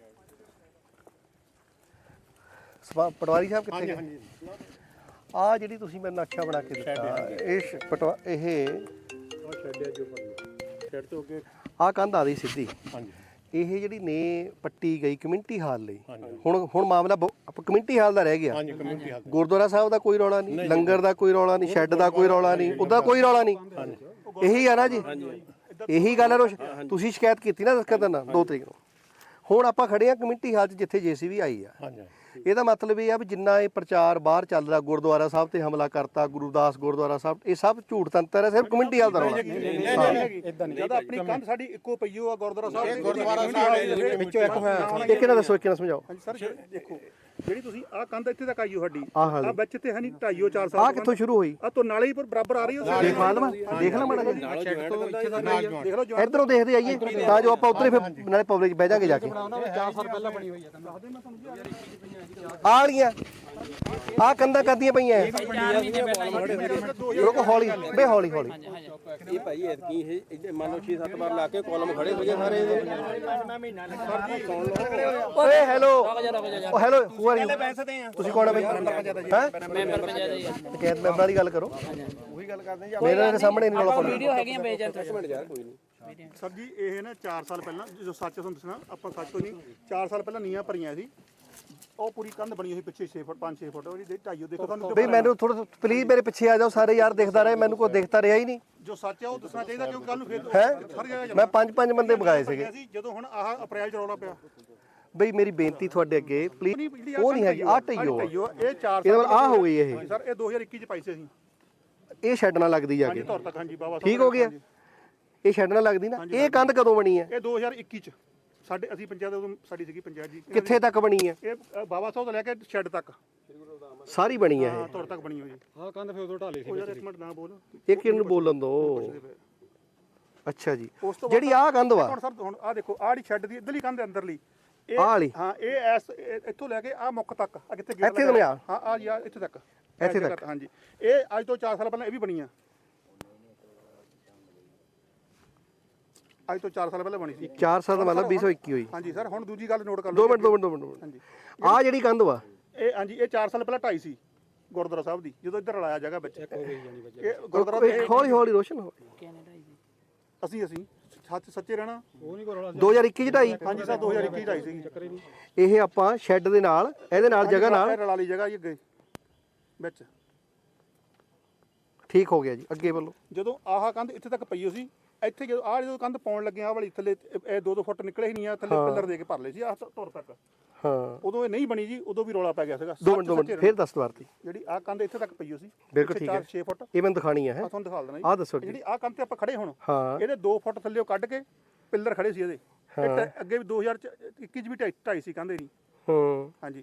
Speaker 1: ਸਵਾ ਪਟਵਾਰੀ ਸਾਹਿਬ ਕਿੱਥੇ ਗਏ? ਆ ਜਿਹੜੀ ਤੁਸੀਂ ਮੈਨੂੰ ਨਕਸ਼ਾ ਬਣਾ ਕੇ ਦਿੱਤਾ ਇਹ ਸ਼- ਪਟਵਾ ਇਹ
Speaker 2: ਉਹ ਛੱਡਿਆ ਜੋ ਛੱਡ ਤੋਂ ਅੱਗੇ
Speaker 1: ਆ ਕੰਧ ਆ ਰਹੀ ਸਿੱਧੀ।
Speaker 2: ਹਾਂਜੀ
Speaker 1: ਇਹ ਜਿਹੜੀ ਨੇ ਪੱਟੀ ਗਈ ਕਮਿਊਨਿਟੀ ਹਾਲ ਲਈ ਹੁਣ ਹੁਣ ਮਾਮਲਾ ਕਮਿਊਨਿਟੀ ਹਾਲ ਦਾ ਰਹਿ ਗਿਆ।
Speaker 2: ਹਾਂਜੀ ਕਮਿਊਨਿਟੀ ਹਾਲ
Speaker 1: ਗੁਰਦੁਆਰਾ ਸਾਹਿਬ ਦਾ ਕੋਈ ਰੌਲਾ ਨਹੀਂ, ਲੰਗਰ ਦਾ ਕੋਈ ਰੌਲਾ ਨਹੀਂ, ਸ਼ੈੱਡ ਦਾ ਕੋਈ ਰੌਲਾ ਨਹੀਂ, ਉਹਦਾ ਕੋਈ ਰੌਲਾ ਨਹੀਂ। ਇਹੀ ਆ ਨਾ ਜੀ ਇਹੀ ਗੱਲ ਹੈ ਰੋਸ਼ ਤੁਸੀਂ ਸ਼ਿਕਾਇਤ ਕੀਤੀ ਨਾ ਦਸਕਤ ਨਾਲ ਦੋ ਤਰੀਕ ਨੂੰ। ਹੁਣ ਆਪਾਂ ਖੜੇ ਆ ਕਮਿਊਨਿਟੀ ਹਾਲ 'ਚ ਜਿੱਥੇ ਜੇਸੀਬੀ ਆਈ ਆ।
Speaker 2: ਹਾਂਜੀ
Speaker 1: ਇਹਦਾ ਮਤਲਬ ਇਹ ਆ ਵੀ ਜਿੰਨਾ ਇਹ ਪ੍ਰਚਾਰ ਬਾਹਰ ਚੱਲ ਰਿਹਾ ਗੁਰਦੁਆਰਾ ਸਾਹਿਬ ਤੇ ਹਮਲਾ ਕਰਤਾ ਗੁਰਦਾਸ ਗੁਰਦੁਆਰਾ ਸਾਹਿਬ ਇਹ ਸਭ ਝੂਠ ਤੰਤਰ ਹੈ ਸਿਰਫ ਕਮਿਊਨਿਟੀ ਵਾਲ ਦਾ ਰੌਲਾ
Speaker 4: ਇਦਾਂ ਨਹੀਂ ਜਦ ਆਪਣੀ ਕੰਧ ਸਾਡੀ ਇੱਕੋ ਪਈਓ ਆ ਗੁਰਦੁਆਰਾ ਸਾਹਿਬ ਗੁਰਦੁਆਰਾ ਸਾਹਿਬ
Speaker 1: ਵਿੱਚੋਂ ਇੱਕ ਹੋਇਆ ਇੱਕ ਨਾ ਦੱਸੋ ਇੱਕ ਨਾ ਸਮਝਾਓ
Speaker 4: ਹਾਂਜੀ ਸਰ ਦੇਖੋ ਜਿਹੜੀ ਤੁਸੀਂ ਆਹ ਕੰਧ ਇੱਥੇ ਤੱਕ ਆਈਓ ਸਾਡੀ
Speaker 1: ਆਹ
Speaker 4: ਆ ਵਿੱਚ ਤੇ ਹੈ ਨਹੀਂ ਢਾਈਓ ਚਾਰ ਸਾਲ
Speaker 1: ਆ ਕਿੱਥੋਂ ਸ਼ੁਰੂ ਹੋਈ
Speaker 4: ਆ ਤੋਂ ਨਾਲੇ ਹੀ ਪਰ ਬਰਾਬਰ ਆ ਰਹੀ ਹੈ
Speaker 1: ਦੇਖ ਲਵਾਂ ਦੇਖ ਲਾ ਮਾੜਾ
Speaker 4: ਦੇਖ ਲਓ ਜੋ
Speaker 1: ਇਧਰੋਂ ਦੇਖਦੇ ਆਈਏ ਤਾਂ ਜੋ ਆਪਾਂ ਉਧਰ ਫਿਰ ਨਾਲੇ ਪਬਲਿਕ ਬਹਿ ਜਾਗੇ ਜਾ ਕੇ
Speaker 3: ਚਾਰ ਸਾਲ ਪਹਿਲਾਂ ਬਣੀ ਹੋਈ ਹੈ
Speaker 1: ਆ ਵਾਲੀਆਂ ਆ ਕੰਧਾਂ ਕਰਦੀਆਂ ਪਈਆਂ
Speaker 5: ਚਾਰ ਮਹੀਨੇ ਪਹਿਲਾਂ ਜੀ
Speaker 1: ਰੁਕੋ ਹੌਲੀ ਬੇ ਹੌਲੀ ਹੌਲੀ
Speaker 3: ਇਹ ਭਾਈ ਐਤਕੀ ਇਹ ਇੱਥੇ ਮੰਨ ਲਓ ਛੇ ਸੱਤ ਵਾਰ ਲਾ ਕੇ ਕਾਲਮ ਖੜੇ ਹੋ ਗਏ ਸਾਰੇ
Speaker 1: ਓਏ ਹੈਲੋ
Speaker 5: ਰੁਕ ਜਾ ਰੁਕ ਜਾ
Speaker 1: ਓ ਹੈਲੋ ਹੂ ਆਰ ਯੂ ਤੁਸੀਂ ਕੌਣ ਆ ਬਈ ਹੈ
Speaker 5: ਮੈਂਬਰ ਪੰਚਾਇਤ ਜੀ
Speaker 1: ਪੰਚਾਇਤ ਮੈਂਬਰਾਂ ਦੀ ਗੱਲ ਕਰੋ ਉਹੀ ਗੱਲ ਕਰਦੇ ਆ ਮੇਰੇ ਸਾਹਮਣੇ ਨਹੀਂ ਰੌਲਾ ਪਾਉਣਾ
Speaker 5: ਵੀਡੀਓ ਹੈਗੀਆਂ ਬੇਜਰ ਤੋਂ
Speaker 3: ਯਾਰ ਕੋਈ ਨਹੀਂ
Speaker 4: ਸਰ ਜੀ ਇਹ ਨਾ ਚਾਰ ਸਾਲ ਪਹਿਲਾਂ ਜੋ ਸੱਚ ਤੁਹਾਨੂੰ ਦੱਸਣਾ ਆਪਾਂ ਸੱਚ ਤੋਂ ਨਹੀਂ ਚਾਰ ਸਾਲ ਪਹਿਲਾਂ ਨੀਆਂ ਭਰੀਆਂ ਸੀ ਉਹ ਪੂਰੀ ਕੰਧ ਬਣੀ ਹੋਈ ਪਿੱਛੇ ਛੇ ਫੁੱਟ ਪੰਜ ਛੇ ਫੁੱਟ ਉਹਦੀ ਢਾਈਓ ਦੇਖੋ ਤੁਹਾਨੂੰ
Speaker 1: ਬਈ ਮੈਨੂੰ ਥੋੜਾ ਪਲੀਜ਼ ਮੇਰੇ ਪਿੱਛੇ ਆ ਜਾਓ ਸਾਰੇ ਯਾਰ ਦੇਖਦਾ ਰਹੇ ਮੈਨੂੰ ਕੋਈ ਦੇਖਦਾ ਰਿਹਾ ਹੀ ਨਹੀਂ
Speaker 4: ਜੋ ਸੱਚ ਹੈ ਉਹ ਦੱਸਣਾ ਚਾਹੀਦਾ ਕਿਉਂਕਿ ਕੱਲ ਨੂੰ ਫੇਰ
Speaker 1: ਹੈ
Speaker 4: ਸਾਰੀ ਜਗ੍ਹਾ
Speaker 1: ਮੈਂ ਪੰਜ ਪੰਜ ਬੰਦੇ ਮੰਗਾਏ ਸੀਗੇ
Speaker 4: ਸੀ ਜਦੋਂ ਹੁਣ ਆਹ ਅਪ੍ਰੈਲ ਚ ਰੌਲਾ ਪਿਆ
Speaker 1: ਬਈ ਮੇਰੀ ਬੇਨਤੀ ਤੁਹਾਡੇ ਅੱਗੇ ਪਲੀਜ਼ ਉਹ ਨਹੀਂ ਹੈਗੀ ਆ ਢਈਓ
Speaker 4: ਇਹ ਚਾਰ
Speaker 1: ਇਹਦੇ ਨਾਲ ਆ ਹੋ ਗਈ ਇਹ
Speaker 4: ਸਰ ਇਹ ਦੋ ਹਜ਼ਾਰ ਇੱਕੀ ਚ ਪਾਈ ਸੀ ਅਸੀਂ
Speaker 1: ਇਹ ਛੱਡ ਨਾਲ ਲੱਗਦੀ ਜਾ
Speaker 4: ਹਾਂਜੀ
Speaker 1: ਕੇ
Speaker 4: ਤੌਰ ਤੱਕ ਹਾਂਜੀ ਬਾਬਾ
Speaker 1: ਠੀਕ ਹੋ ਗਿਆ ਇਹ ਛੱਡ ਨਾਲ ਲੱਗਦੀ ਨਾ ਇਹ ਕੰਧ ਕਦੋਂ ਬਣੀ ਹੈ
Speaker 4: ਇਹ ਦੋ ਹਜ਼ਾਰ ਇੱਕੀ ਚ ਸਾਡੇ ਅਸੀਂ ਪੰਚਾਇਤ ਉਦੋਂ ਸਾਡੀ ਸੀਗੀ ਪੰਚਾਇਤ ਜੀ
Speaker 1: ਕਿੱਥੇ ਤੱਕ ਬਣੀ ਹੈ
Speaker 4: ਇਹ ਅ, ਬਾਬਾ ਸਾਹਿਬ ਤੋਂ ਲੈ ਕੇ ਸ਼ੈੱਡ ਤੱਕ
Speaker 1: ਸਾਰੀ ਬਣੀ ਹੈ
Speaker 4: ਹਾਂ ਤੌਰ ਤੱਕ ਬਣੀ ਹੋਈ
Speaker 3: ਆਹ ਕੰਧ ਫਿਰ ਉਦੋਂ ਢਾਲੀ ਸੀ
Speaker 4: ਉਹ ਯਾਰ ਇੱਕ ਮਿੰਟ ਨਾ ਬੋਲ
Speaker 1: ਇਹ ਇਹ ਕਿਹਨੂੰ ਬੋਲਣ ਦੋ ਅੱਛਾ ਜੀ
Speaker 4: ਉਸ ਤੋਂ
Speaker 1: ਜਿਹੜੀ ਆਹ ਕੰਧ ਵਾ
Speaker 4: ਹੁਣ ਸਰ ਹੁਣ ਆਹ ਦੇਖੋ ਆਹ ਜਿਹੜੀ ਸ਼ੈੱਡ ਦੀ ਇਧਰਲੀ ਕੰਧ ਅੰਦਰਲੀ ਇਹ
Speaker 1: ਆਹ ਵਾਲੀ
Speaker 4: ਹਾਂ ਇਹ ਐਸ ਇਹ ਇੱਥੋਂ ਲੈ ਕੇ ਆਹ ਮੁੱਖ ਤੱਕ ਆ ਕਿੱਥੇ ਗੇਟ
Speaker 1: ਇੱਥੇ ਤੋਂ ਲਿਆ?
Speaker 4: ਹਾਂ ਆ ਜੀ ਆਹ ਇੱਥੇ ਤੱਕ
Speaker 1: ਇੱਥੇ ਤੱਕ?
Speaker 4: ਹਾਂਜੀ ਇਹ ਅੱਜ ਤੋਂ ਚਾਰ ਸਾਲ ਪਹਿਲਾਂ ਇਹ ਵੀ ਬਣੀ ਆ ਅੱਜ ਤੋਂ ਚਾਰ ਸਾਲ ਪਹਿਲਾਂ ਬਣੀ ਸੀ
Speaker 1: ਚਾਰ ਸਾਲ ਦਾ ਮਤਲਬ ਵੀਹ ਸੌ ਇੱਕੀ ਹੋਈ
Speaker 4: ਹਾਂਜੀ ਸਰ ਹੁਣ ਦੂਜੀ ਗੱਲ ਨੋਟ ਕਰ
Speaker 1: ਦੋ
Speaker 4: ਲਓ
Speaker 1: ਮਿੰਟ ਦੋ ਮਿੰਟ ਦੋ ਮਿੰਟ, ਦੋ ਮਿੰਟ
Speaker 4: ਹਾਂਜੀ
Speaker 1: ਆਹ ਜਿਹੜੀ ਕੰਧ ਵਾ
Speaker 4: ਇਹ ਹਾਂਜੀ ਇਹ ਚਾਰ ਸਾਲ ਪਹਿਲਾਂ ਢਾਈ ਸੀ ਗੁਰਦੁਆਰਾ ਸਾਹਿਬ ਦੀ ਜਦੋਂ ਇੱਧਰ ਰਲਾਇਆ ਜਗ੍ਹਾ ਵਿੱਚ ਇਹ ਗੁਰਦੁਆਰਾ
Speaker 1: ਇੱਕ ਹੌਲੀ ਹੌਲੀ ਰੋਸ਼ਨ ਹੋ
Speaker 4: ਅਸੀਂ ਅਸੀਂ ਸੱਚ ਸੱਚੇ ਰਹਿਣਾ
Speaker 3: ਉਹ ਨਹੀਂ ਕੋਈ
Speaker 1: ਦੋ ਹਜ਼ਾਰ ਇੱਕੀ ਚ ਢਾਈ
Speaker 4: ਹਾਂਜੀ ਸਰ ਦੋ ਹਜ਼ਾਰ ਇੱਕੀ ਢਾਈ ਸੀਗੀ
Speaker 1: ਇਹ ਆਪਾਂ ਸ਼ੈੱਡ ਦੇ ਨਾਲ ਇਹਦੇ ਨਾਲ ਜਗ੍ਹਾ ਨਾਲ
Speaker 4: ਇਹ ਰਲਾ ਲਈ ਜਗ੍ਹਾ ਜੀ ਅੱਗੇ ਵਿੱਚ
Speaker 1: ਠੀਕ ਹੋ ਗਿਆ ਜੀ ਅੱਗੇ ਵੱਲੋਂ
Speaker 4: ਜਦੋਂ ਆਹ ਕੰਧ ਇੱਥੇ ਤੱਕ ਪਈ ਹੋ ਸੀ ਇੱਥੇ ਜਦੋਂ ਆਹ ਜਦੋਂ ਕੰਧ ਪਾਉਣ ਲੱਗੇ ਆਹ ਵਾਲੀ ਥੱਲੇ ਇਹ ਦੋ ਦੋ ਫੁੱਟ ਨਿਕਲੇ ਹੀ ਨਹੀਂ ਆ ਥੱਲੇ ਪਿੱਲਰ ਦੇ ਕੇ ਭਰ ਲਏ ਸੀ ਆਹ ਧੁਰ ਤੱਕ
Speaker 1: ਹਾਂ
Speaker 4: ਉਦੋਂ ਇਹ ਨਹੀਂ ਬਣੀ ਜੀ ਉਦੋਂ ਵੀ ਰੌਲਾ ਪੈ ਗਿਆ ਸੀਗਾ
Speaker 1: ਦੋ ਮਿੰਟ ਦੋ ਮਿੰਟ ਫੇਰ ਦੱਸ ਦਵਾਰ ਤੀ
Speaker 4: ਜਿਹੜੀ ਆਹ ਕੰਧ ਇੱਥੇ ਤੱਕ ਪਈ ਹੋ ਸੀ
Speaker 1: ਬਿਲਕੁਲ ਠੀਕ ਹੈ
Speaker 4: ਛੇ ਫੁੱਟ
Speaker 1: ਇਹ ਮੈਨੂੰ ਦਿਖਾਣੀ ਹੈ
Speaker 4: ਆ ਤੁਹਾਨੂੰ ਦਿਖਾ ਦੇਣਾ ਜੀ
Speaker 1: ਆਹ ਦੱਸੋ ਜੀ
Speaker 4: ਜਿਹੜੀ ਆਹ ਕੰਧ ਤੇ ਆਪਾਂ ਖੜੇ ਹੁਣ
Speaker 1: ਹਾਂ
Speaker 4: ਇਹਦੇ ਦੋ ਫੁੱਟ ਥੱਲੇ ਕੱਢ ਕੇ ਪਿੱਲਰ ਖੜੇ ਸੀ ਇਹਦੇ ਇਹ ਟ- ਅੱਗੇ ਵੀ ਦੋ ਹਜ਼ਾਰ ਇੱਕੀ ਚ ਵੀ ਢਾਈ ਢਾਈ ਸੀ ਕੰਧ ਇਹਦੀ
Speaker 1: ਹੂੰ
Speaker 4: ਹਾਂਜੀ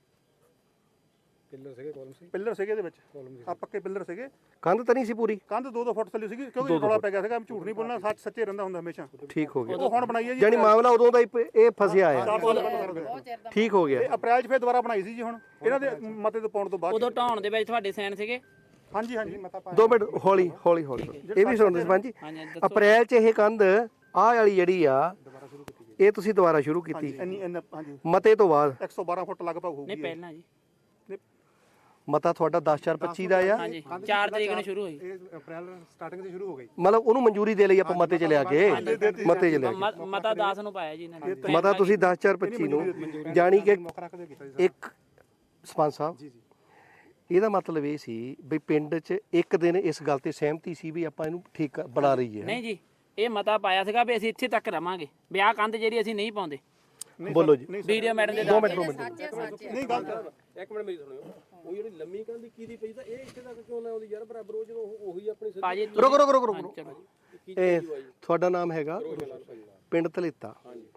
Speaker 3: ਪਿੱਲਰ ਸੀਗੇ ਕਾਲਮ ਸੀ
Speaker 4: ਪਿੱਲਰ ਸੀਗੇ ਇਹਦੇ ਵਿੱਚ ਆ ਪੱਕੇ ਪਿੱਲਰ ਸੀਗੇ
Speaker 1: ਕੰਧ ਤਾਂ ਨਹੀਂ ਸੀ ਪੂਰੀ
Speaker 4: ਕੰਧ ਦੋ ਦੋ ਫੁੱਟ ਥੱਲੇ ਸੀਗੀ ਕਿਉਂਕਿ ਰੌਲਾ ਪੈ ਗਿਆ ਸੀਗਾ ਝੂਠ ਨਹੀਂ ਬੋਲਣਾ ਸੱਚ ਸੱਚੇ ਰਹਿੰਦਾ ਹੁੰਦਾ ਹਮੇਸ਼ਾ
Speaker 1: ਠੀਕ ਹੋ ਗਿਆ
Speaker 4: ਉਹ ਹੁਣ ਬਣਾਈ ਹੈ ਜੀ
Speaker 1: ਜਾਨੀ ਮਾਮਲਾ ਉਦੋਂ ਦਾ ਹੀ ਪ- ਇਹ ਫਸਿਆ ਆ
Speaker 4: ਚਾਰ ਸਾਲ ਪਹਿਲਾਂ ਸਰ
Speaker 1: ਠੀਕ ਹੋ
Speaker 4: ਇਹ
Speaker 1: ਗਿਆ
Speaker 4: ਅਪ੍ਰੈਲ ਚ ਫੇਰ ਦੁਬਾਰਾ ਬਣਾਈ ਸੀ ਜੀ ਹੁਣ ਇਹਨਾਂ ਦੇ ਮਤੇ ਤੋਂ ਪਾਉਣ ਤੋਂ ਬਾਅਦ
Speaker 5: ਉਦੋਂ ਢਾਉਣ ਦੇ ਵਿੱਚ ਤੁਹਾਡੇ ਸਾਈਨ ਸੀਗੇ
Speaker 4: ਹਾਂਜੀ ਹਾਂਜੀ ਮਤਾ ਪਾ
Speaker 1: ਦੋ ਮਿੰਟ ਹੌਲੀ ਹੌਲੀ ਹੌਲੀ ਇਹ ਵੀ ਸੁਣਦੇ ਸਰਪੰਚ ਜੀ
Speaker 5: ਹਾਂਜੀ ਦੱਸੋ
Speaker 1: ਅਪ੍ਰੈਲ ਚ ਇਹ ਕੰਧ ਆਹ ਵਾਲੀ ਜਿਹੜੀ ਆ ਇਹ ਤੁਸੀਂ ਦੁਬਾਰਾ ਸ਼ੁਰੂ ਕੀਤੀ
Speaker 4: ਇੰਨੀ ਇੰਨਾ ਹਾਂਜੀ
Speaker 1: ਮਤੇ ਤੋਂ ਬਾਅਦ
Speaker 4: ਇੱਕ ਸੌ ਬਾਰਾਂ ਫੁੱਟ ਲਗਭਗ
Speaker 5: ਨਹੀਂ
Speaker 4: ਹੋਊਗੀ ਇਹ।
Speaker 5: ਪਹਿਲਾਂ ਜੀ
Speaker 1: ਮਤਾ ਤੁਹਾਡਾ ਦਸ ਚਾਰ ਪੱਚੀ ਦਾ ਆ
Speaker 5: ਹਾਂਜੀ ਚਾਰ ਤਰੀਕ ਨੂੰ ਸ਼ੁਰੂ ਹੋਈ
Speaker 3: ਇਹ ਅਪ੍ਰੈਲ ਸਟਾਰਟਿੰਗ ਤੇ ਸ਼ੁਰੂ ਹੋ ਗਈ
Speaker 1: ਮਤਲਬ ਉਹਨੂੰ ਮਨਜ਼ੂਰੀ ਦੇ ਲਈ ਆਪਾਂ ਮਤੇ ਚ ਲਿਆ ਕੇ ਮਤੇ ਚ ਲਿਆ ਕੇ
Speaker 5: ਮ- ਮਤਾ ਦਸ ਨੂੰ ਪਾਇਆ ਜੀ ਇਹਨਾਂ ਨੇ
Speaker 1: ਮਤਾ ਤੁਸੀਂ ਦਸ ਚਾਰ ਪੱਚੀ ਨੂੰ ਜਾਣੀ ਕਿ ਇੱਕ ਸਰਪੰਚ ਸਾਹਿਬ ਇਹਦਾ ਮਤਲਬ ਇਹ ਸੀ ਵੀ ਪਿੰਡ 'ਚ ਇੱਕ ਦਿਨ ਇਸ ਗੱਲ ਤੇ ਸਹਿਮਤੀ ਸੀ ਵੀ ਆਪਾਂ ਇਹਨੂੰ ਠੀਕ ਕਰ- ਬਣਾ ਰਹੀ ਹੈ
Speaker 5: ਨਹੀਂ ਜੀ ਇਹ ਮਤਾ ਪਾਇਆ ਸੀਗਾ ਵੀ ਅਸੀਂ ਇੱਥੇ ਤੱਕ ਰਵਾਂਗੇ ਵੀ ਆਹ ਕੰਧ ਜਿਹੜੀ ਅਸੀਂ ਨਹੀਂ ਪਾਉਂਦੇ
Speaker 1: ਬੋਲੋ ਜੀ
Speaker 5: ਵੀਡੀਓ ਮੈਡਮ ਦੇ
Speaker 1: ਦੋ ਮਿੰਟ ਦੋ ਮਿੰਟ
Speaker 4: ਨਹੀਂ ਗੱਲ
Speaker 3: ਇੱਕ ਮਿੰਟ ਮੇਰੀ ਸੁਣਿਓ ਉਹ ਜਿਹੜੀ ਲੰਮੀ ਕੰਧ ਕੀ ਦੀ ਪਈ ਤਾਂ ਇਹ ਇੱਥੇ ਤੱਕ ਕਿਉਂ ਨਾ ਆਉਂਦੀ ਯਾਰ ਬਰਾਬਰ ਉਹ ਜਦੋਂ ਉਹ- ਉਹੀ ਆਪਣੀ
Speaker 5: ਭਾਜੀ
Speaker 1: ਰੁਕੋ ਰੁਕੋ ਰੁਕੋ ਰੁਕੋ
Speaker 5: ਚਲੋ
Speaker 1: ਇਹ ਤੁਹਾਡਾ ਨਾਮ ਹੈਗਾ ਪਿੰਡ ਧਲੇਤਾ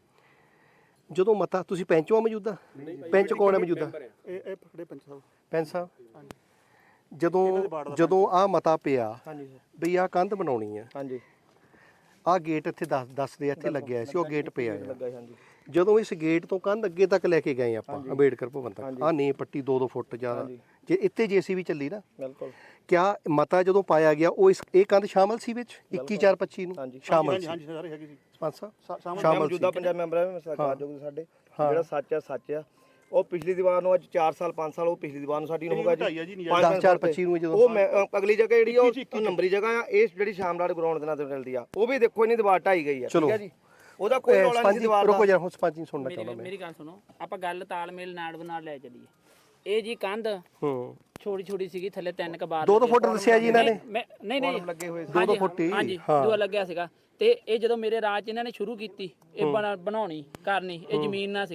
Speaker 1: ਜਦੋਂ ਮਤਾ ਤੁਸੀਂ ਪੈਂਚੋ ਆ ਮੌਜੂਦਾ ਪੈਂਚ ਕੌਣ ਹੈ ਮੌਜੂਦਾ
Speaker 4: ਇਹ ਇਹ ਪਕੜੇ ਪੰਚ ਸਾਹਿਬ
Speaker 1: ਪੈਂਚ ਸਾਹਿਬ ਜਦੋਂ ਜਦੋਂ ਆ ਮਤਾ ਪਿਆ ਵੀ ਆ ਕੰਧ ਬਣਾਉਣੀ ਹੈ
Speaker 6: ਹਾਂਜੀ
Speaker 1: ਆ ਗੇਟ ਇੱਥੇ ਦੱਸ ਦੱਸਦੇ ਆ, ਇੱਥੇ ਲੱਗਿਆ ਸੀ ਉਹ ਗੇਟ ਪਿਆ ਆ
Speaker 6: ਲੱਗਾ ਹਾਂਜੀ
Speaker 1: ਜਦੋਂ ਇਸ ਗੇਟ ਤੋਂ ਕੰਧ ਅੱਗੇ ਤੱਕ ਲੈ ਕੇ ਗਏ ਆਪਾਂ ਅੰਬੇਡਕਰ ਭਵਨ ਤੱਕ ਆ ਨੀ ਪੱਟੀ ਦੋ ਦੋ ਫੁੱਟ ਜ਼ਿਆਦਾ ਜੇ ਇੱਥੇ ਜੇਸੀਬੀ ਚੱਲੀ ਨਾ
Speaker 6: ਬਿਲਕੁਲ
Speaker 1: ਕਿਆ ਮਤਾ ਜਦੋਂ ਪਾਇਆ ਗਿਆ ਉਹ ਇਸ ਇਹ ਕੰਧ ਸ਼ਾਮਲ ਸੀ ਵਿੱਚ ਇੱਕੀ ਚਾਰ ਪੱਚੀ ਨੂੰ ਸ਼ਾਮਲ
Speaker 4: ਹਾਂਜੀ
Speaker 1: ਸੀ
Speaker 4: ਹਾਂਜੀ ਸਾਰੇ ਹੈਗੇ ਸੀ
Speaker 1: ਸਰਪੰਚ ਸਾਹਿਬ
Speaker 4: ਸ਼ਾਮਲ
Speaker 1: ਸ਼ਾਮਲ ਸੀ
Speaker 6: ਮੌਜੂਦਾ ਪੰਜਾਬ ਮੈਂਬਰ ਹੈ ਸਰਕਾਰ ਜੋ ਸਾਡੇ ਜਿਹੜਾ ਸੱਚ ਆ ਸੱਚ ਆ ਉਹ ਪਿਛਲੀ ਦੀਵਾਰ ਨੂੰ ਅੱਜ ਚਾਰ ਸਾਲ ਪੰਜ ਸਾਲ ਉਹ ਪਿਛਲੀ ਦੀਵਾਰ ਨੂੰ ਸਾਡੀ ਨੂੰ ਹੋਗਾ
Speaker 4: ਢਾਈ ਆ ਜੀ,
Speaker 6: ਜੀ
Speaker 4: ਨਹੀਂ
Speaker 1: ਦਸ ਚਾਰ ਪੱਚੀ ਨੂੰ ਜਦੋਂ
Speaker 6: ਉਹ ਮੈਂ- ਅ, ਅਗਲੀ ਜਗ੍ਹਾ ਜਿਹੜੀ ਆ ਉਹ ਨੰਬਰੀ ਜਗ੍ਹਾ ਆ ਇਹ ਜਿਹੜੀ ਸ਼ਾਮਲਾਟ ਗਰਾਊਂਡ ਦੇ ਨਾਲ ਤੇ ਮਿਲਦੀ ਆ ਉਹ ਵੀ ਦੇਖੋ ਇਹਨੀ ਦੀਵਾਰ ਢਾਈ ਗਈ ਆ ਠੀਕ ਆ ਜੀ ਉਹਦਾ ਕੋਈ ਰੌਲਾ ਨਹੀਂ ਸੀ ਦੀਵਾਰ ਦਾ
Speaker 1: ਰੁਕੋ ਜਰਾ ਹੁਣ ਸਰਪੰਚ ਨੂੰ ਸੁਣਨਾ
Speaker 5: ਮੇਰੀ
Speaker 1: ਚਾਹੁੰਦਾ ਮੈਂ
Speaker 5: ਮੇਰੀ ਗੱਲ ਸੁਣੋ ਆਪਾਂ ਗੱਲ ਤਾਲਮੇਲ ਨਾਲ ਬਣਾ ਲੈ ਚੱਲੀਏ ਇਹ ਜੀ ਕੰਧ
Speaker 1: ਹੂੰ
Speaker 5: ਛੋਟੀ ਛੋਟੀ ਸੀਗੀ ਥੱਲੇ ਤਿੰਨ ਕ ਬਾਰ
Speaker 1: ਦੋ ਦੋ ਫੁੱਟ ਦੱਸਿਆ ਜੀ ਇਹਨਾਂ ਨੇ
Speaker 5: ਮੈਂ ਨਹੀਂ ਨਹੀਂ
Speaker 6: ਲੱਗੇ ਹੋਏ
Speaker 1: ਦੋ ਦੋ ਫੁੱਟ ਹੀ
Speaker 5: ਹਾਂਜੀ ਦੂਆ ਲੱਗਿਆ ਸੀਗਾ ਤੇ ਇਹ ਜਦੋਂ ਮੇਰੇ ਰਾਜ 'ਚ ਇਹਨਾਂ ਨੇ ਸ਼ੁਰੂ ਕੀਤੀ ਇਹ ਬਣਾ- ਬਣਾਉਣੀ ਕਰਨੀ ਇਹ ਜ਼ਮੀਨ ਨਾ ਸੀਗੀ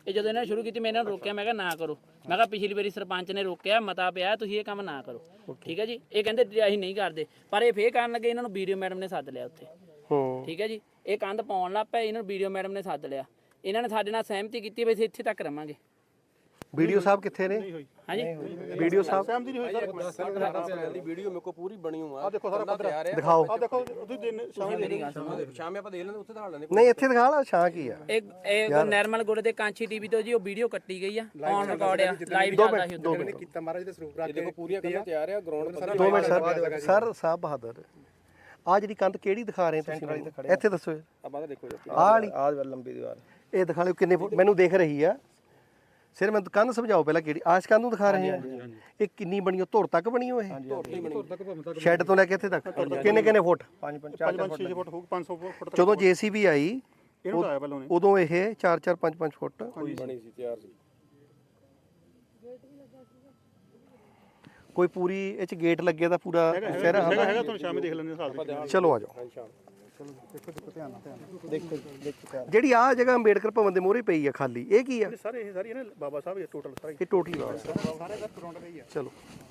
Speaker 5: ਇਹ ਜਦੋਂ ਇਹਨਾਂ ਨੇ ਸ਼ੁਰੂ ਕੀਤੀ ਮੈਂ ਇਹਨਾਂ ਨੂੰ ਰੋਕਿਆ, ਮੈਂ ਕਿਹਾ ਨਾ ਕਰੋ। ਮੈਂ ਕਿਹਾ ਪਿਛਲੀ ਵਾਰੀ ਸਰਪੰਚ ਨੇ ਰੋਕਿਆ, ਮਤਾ ਪਿਆ, ਤੁਸੀਂ ਇਹ ਕੰਮ ਨਾ ਕਰੋ। ਠੀਕ ਹੈ ਜੀ। ਇਹ ਕਹਿੰਦੇ ਅਸੀਂ ਨਹੀਂ ਕਰਦੇ, ਪਰ ਇਹ ਫੇਰ ਕਰਨ ਲੱਗੇ। ਇਹਨਾਂ ਨੂੰ ਵੀਡੀਓ ਮੈਡਮ ਨੇ ਸੱਦ ਲਿਆ ਉੱਥੇ।
Speaker 1: ਹੂੰ
Speaker 5: ਠੀਕ ਹੈ ਜੀ। ਇਹ ਕੰਧ ਪਾਉਣ ਲੱਗ ਪਏ, ਇਹਨਾਂ ਨੂੰ ਵੀਡੀਓ ਮੈਡਮ ਨੇ ਸੱਦ ਲਿਆ। ਇਹਨਾਂ ਨੇ ਸਾਡੇ ਨਾਲ ਸਹਿਮਤੀ ਕੀਤੀ ਵੀ ਅਸੀਂ ਇੱਥੇ ਤੱਕ ਰਵਾਂਗੇ।
Speaker 1: ਵੀਡੀਓ ਸਾਹਿਬ ਕਿੱਥੇ ਨੇ?
Speaker 5: ਹਾਂਜੀ
Speaker 1: ਵੀਡੀਓ ਸਾਹਿਬ
Speaker 4: ਸਹਿਮਤੀ ਨਹੀਂ ਹੋਈ ਸਰ।
Speaker 3: ਦੀ ਵੀਡੀਓ ਮੇਰੇ ਕੋ ਪੂਰੀ ਬਣੀ ਹੋਈ
Speaker 4: ਆ ਦੇਖੋ ਸਾਰਾ ਪੱਧਰ ਆ
Speaker 1: ਦਿਖਾਓ।
Speaker 4: ਆ ਦੇਖੋ ਤੁਸੀਂ ਦਿਨ ਸ਼ਾਮ
Speaker 5: ਮੇਰੀ ਗੱਲ ਸੁਣੋ।
Speaker 3: ਸ਼ਾਮੇ ਆਪਾਂ ਦੇਖ ਲੈਂਦੇ ਉੱਥੇ ਦਿਖਾ ਲੈਂਦੇ।
Speaker 1: ਨਹੀਂ ਇੱਥੇ ਦਿਖਾ ਲਾ, ਛਾਂ ਕੀ ਆ?
Speaker 5: ਇਹ ਇਹ ਨਰਮਲ ਗੁੜ ਦੇ ਕਾਂਚੀ ਟੀਵੀ ਤੋਂ ਜੀ ਉਹ ਵੀਡੀਓ ਕੱਟੀ ਗਈ ਆ, ਔਨ ਰਿਕਾਰਡ ਆ, ਲਾਈਵ ਚੱਲਦਾ ਸੀ ਉੱਥੇ।
Speaker 2: ਕੀਤਾ ਮਹਾਰਾਜ ਦੇ ਸਰੂਪ
Speaker 3: ਇਹ ਦੇਖੋ ਪੂਰੀਆਂ ਕੰਨਾਂ ਤਿਆਰ ਆ ਗਰਾਊਂਡ ਸਾਰਾ।
Speaker 1: ਦੋ ਮਿੰਟ ਸਰ। ਸਰ ਸਾਹਿਬ ਬਹਾਦਰ, ਆ ਜਿਹੜੀ ਕੰਧ ਕਿਹੜੀ ਦਿਖਾ ਰਹੇ ਤੁਸੀਂ ਮੈਨੂੰ? ਇੱਥੇ ਦੱਸੋ।
Speaker 3: ਆ ਬਾਅਦ ਦੇਖੋ ਜੀ।
Speaker 1: ਆਹ ਵਾਲੀ
Speaker 6: ਆਹ ਲੰਬੀ ਦੀਵਾਰ
Speaker 1: ਇਹ ਦਿਖਾ ਲਿਓ ਕਿੰਨੇ ਫੁੱਟ ਮੈਨੂੰ ਦਿਖ ਰਹੀ ਆ। ਸਿਰ ਮੈਨੂੰ ਕੰਧ ਸਮਝਾਓ ਪਹਿਲਾਂ ਕਿਹੜੀ ਆਸ਼ ਕੰਧ ਨੂੰ ਦਿਖਾ ਰਹੇ ਆ। ਇਹ ਕਿੰਨੀ ਬਣੀ ਹੋ? ਧੁਰ ਤੱਕ ਬਣੀ ਹੋ? ਇਹ ਸ਼ੈੱਡ ਤੋਂ ਲੈ ਕੇ ਇੱਥੇ ਤੱਕ ਕਿੰਨੇ ਕਿੰਨੇ ਫੁੱਟ?
Speaker 4: ਪੰਜ ਪੰਜ ਚਾਰ ਪੰਜ ਛੇ ਫੁੱਟ ਹੋਊ, ਪੰਜ ਸੌ ਫੁੱਟ ਤੱਕ
Speaker 1: ਜਦੋਂ ਜੇਸੀਬੀ ਆਈ
Speaker 4: ਇਹਨੂੰ ਲਾਇਆ ਪਹਿਲਾਂ ਉਹਨੇ।
Speaker 1: ਉਦੋਂ ਇਹ ਚਾਰ ਚਾਰ ਪੰਜ ਪੰਜ ਫੁੱਟ
Speaker 3: ਬਣੀ ਸੀ, ਤਿਆਰ ਸੀ।
Speaker 1: ਕੋਈ ਪੂਰੀ ਇਹ ਚ ਗੇਟ ਲੱਗੇ ਦਾ ਪੂਰਾ ਸਾਰਾ
Speaker 4: ਹੈਗਾ ਹੈਗਾ ਤੁਹਾਨੂੰ ਸ਼ਾਮੇ ਦੇਖ ਲੈਂਦੇ ਸਾਲ।
Speaker 1: ਚਲੋ ਆ ਜਾਓ।
Speaker 4: ਦੇਖੋ ਦੇਖੋ ਧਿਆਨ ਨਾਲ ਧਿਆਨ ਨਾਲ।
Speaker 6: ਦੇਖੋ ਦੇਖੋ
Speaker 1: ਜਿਹੜੀ ਆ ਜਗ੍ਹਾ ਅੰਬੇਡਕਰ ਭਵਨ ਦੇ ਮੋਹਰੇ ਪਈ ਆ ਖਾਲੀ, ਇਹ ਕੀ ਆ?
Speaker 4: ਇਹ ਸਾਰੇ ਇਹ ਸਾਰੀ ਨਾ ਬਾਬਾ ਸਾਹਿਬ ਇਹ ਟੋਟਲ ਸਾਰਾ
Speaker 1: ਇਹ ਟੋਟਲੀ ਵਾਸ
Speaker 4: ਸਾਰੇ ਦਾ ਗਰਾਊਂਡ ਰਹੀ ਆ।
Speaker 1: ਚਲੋ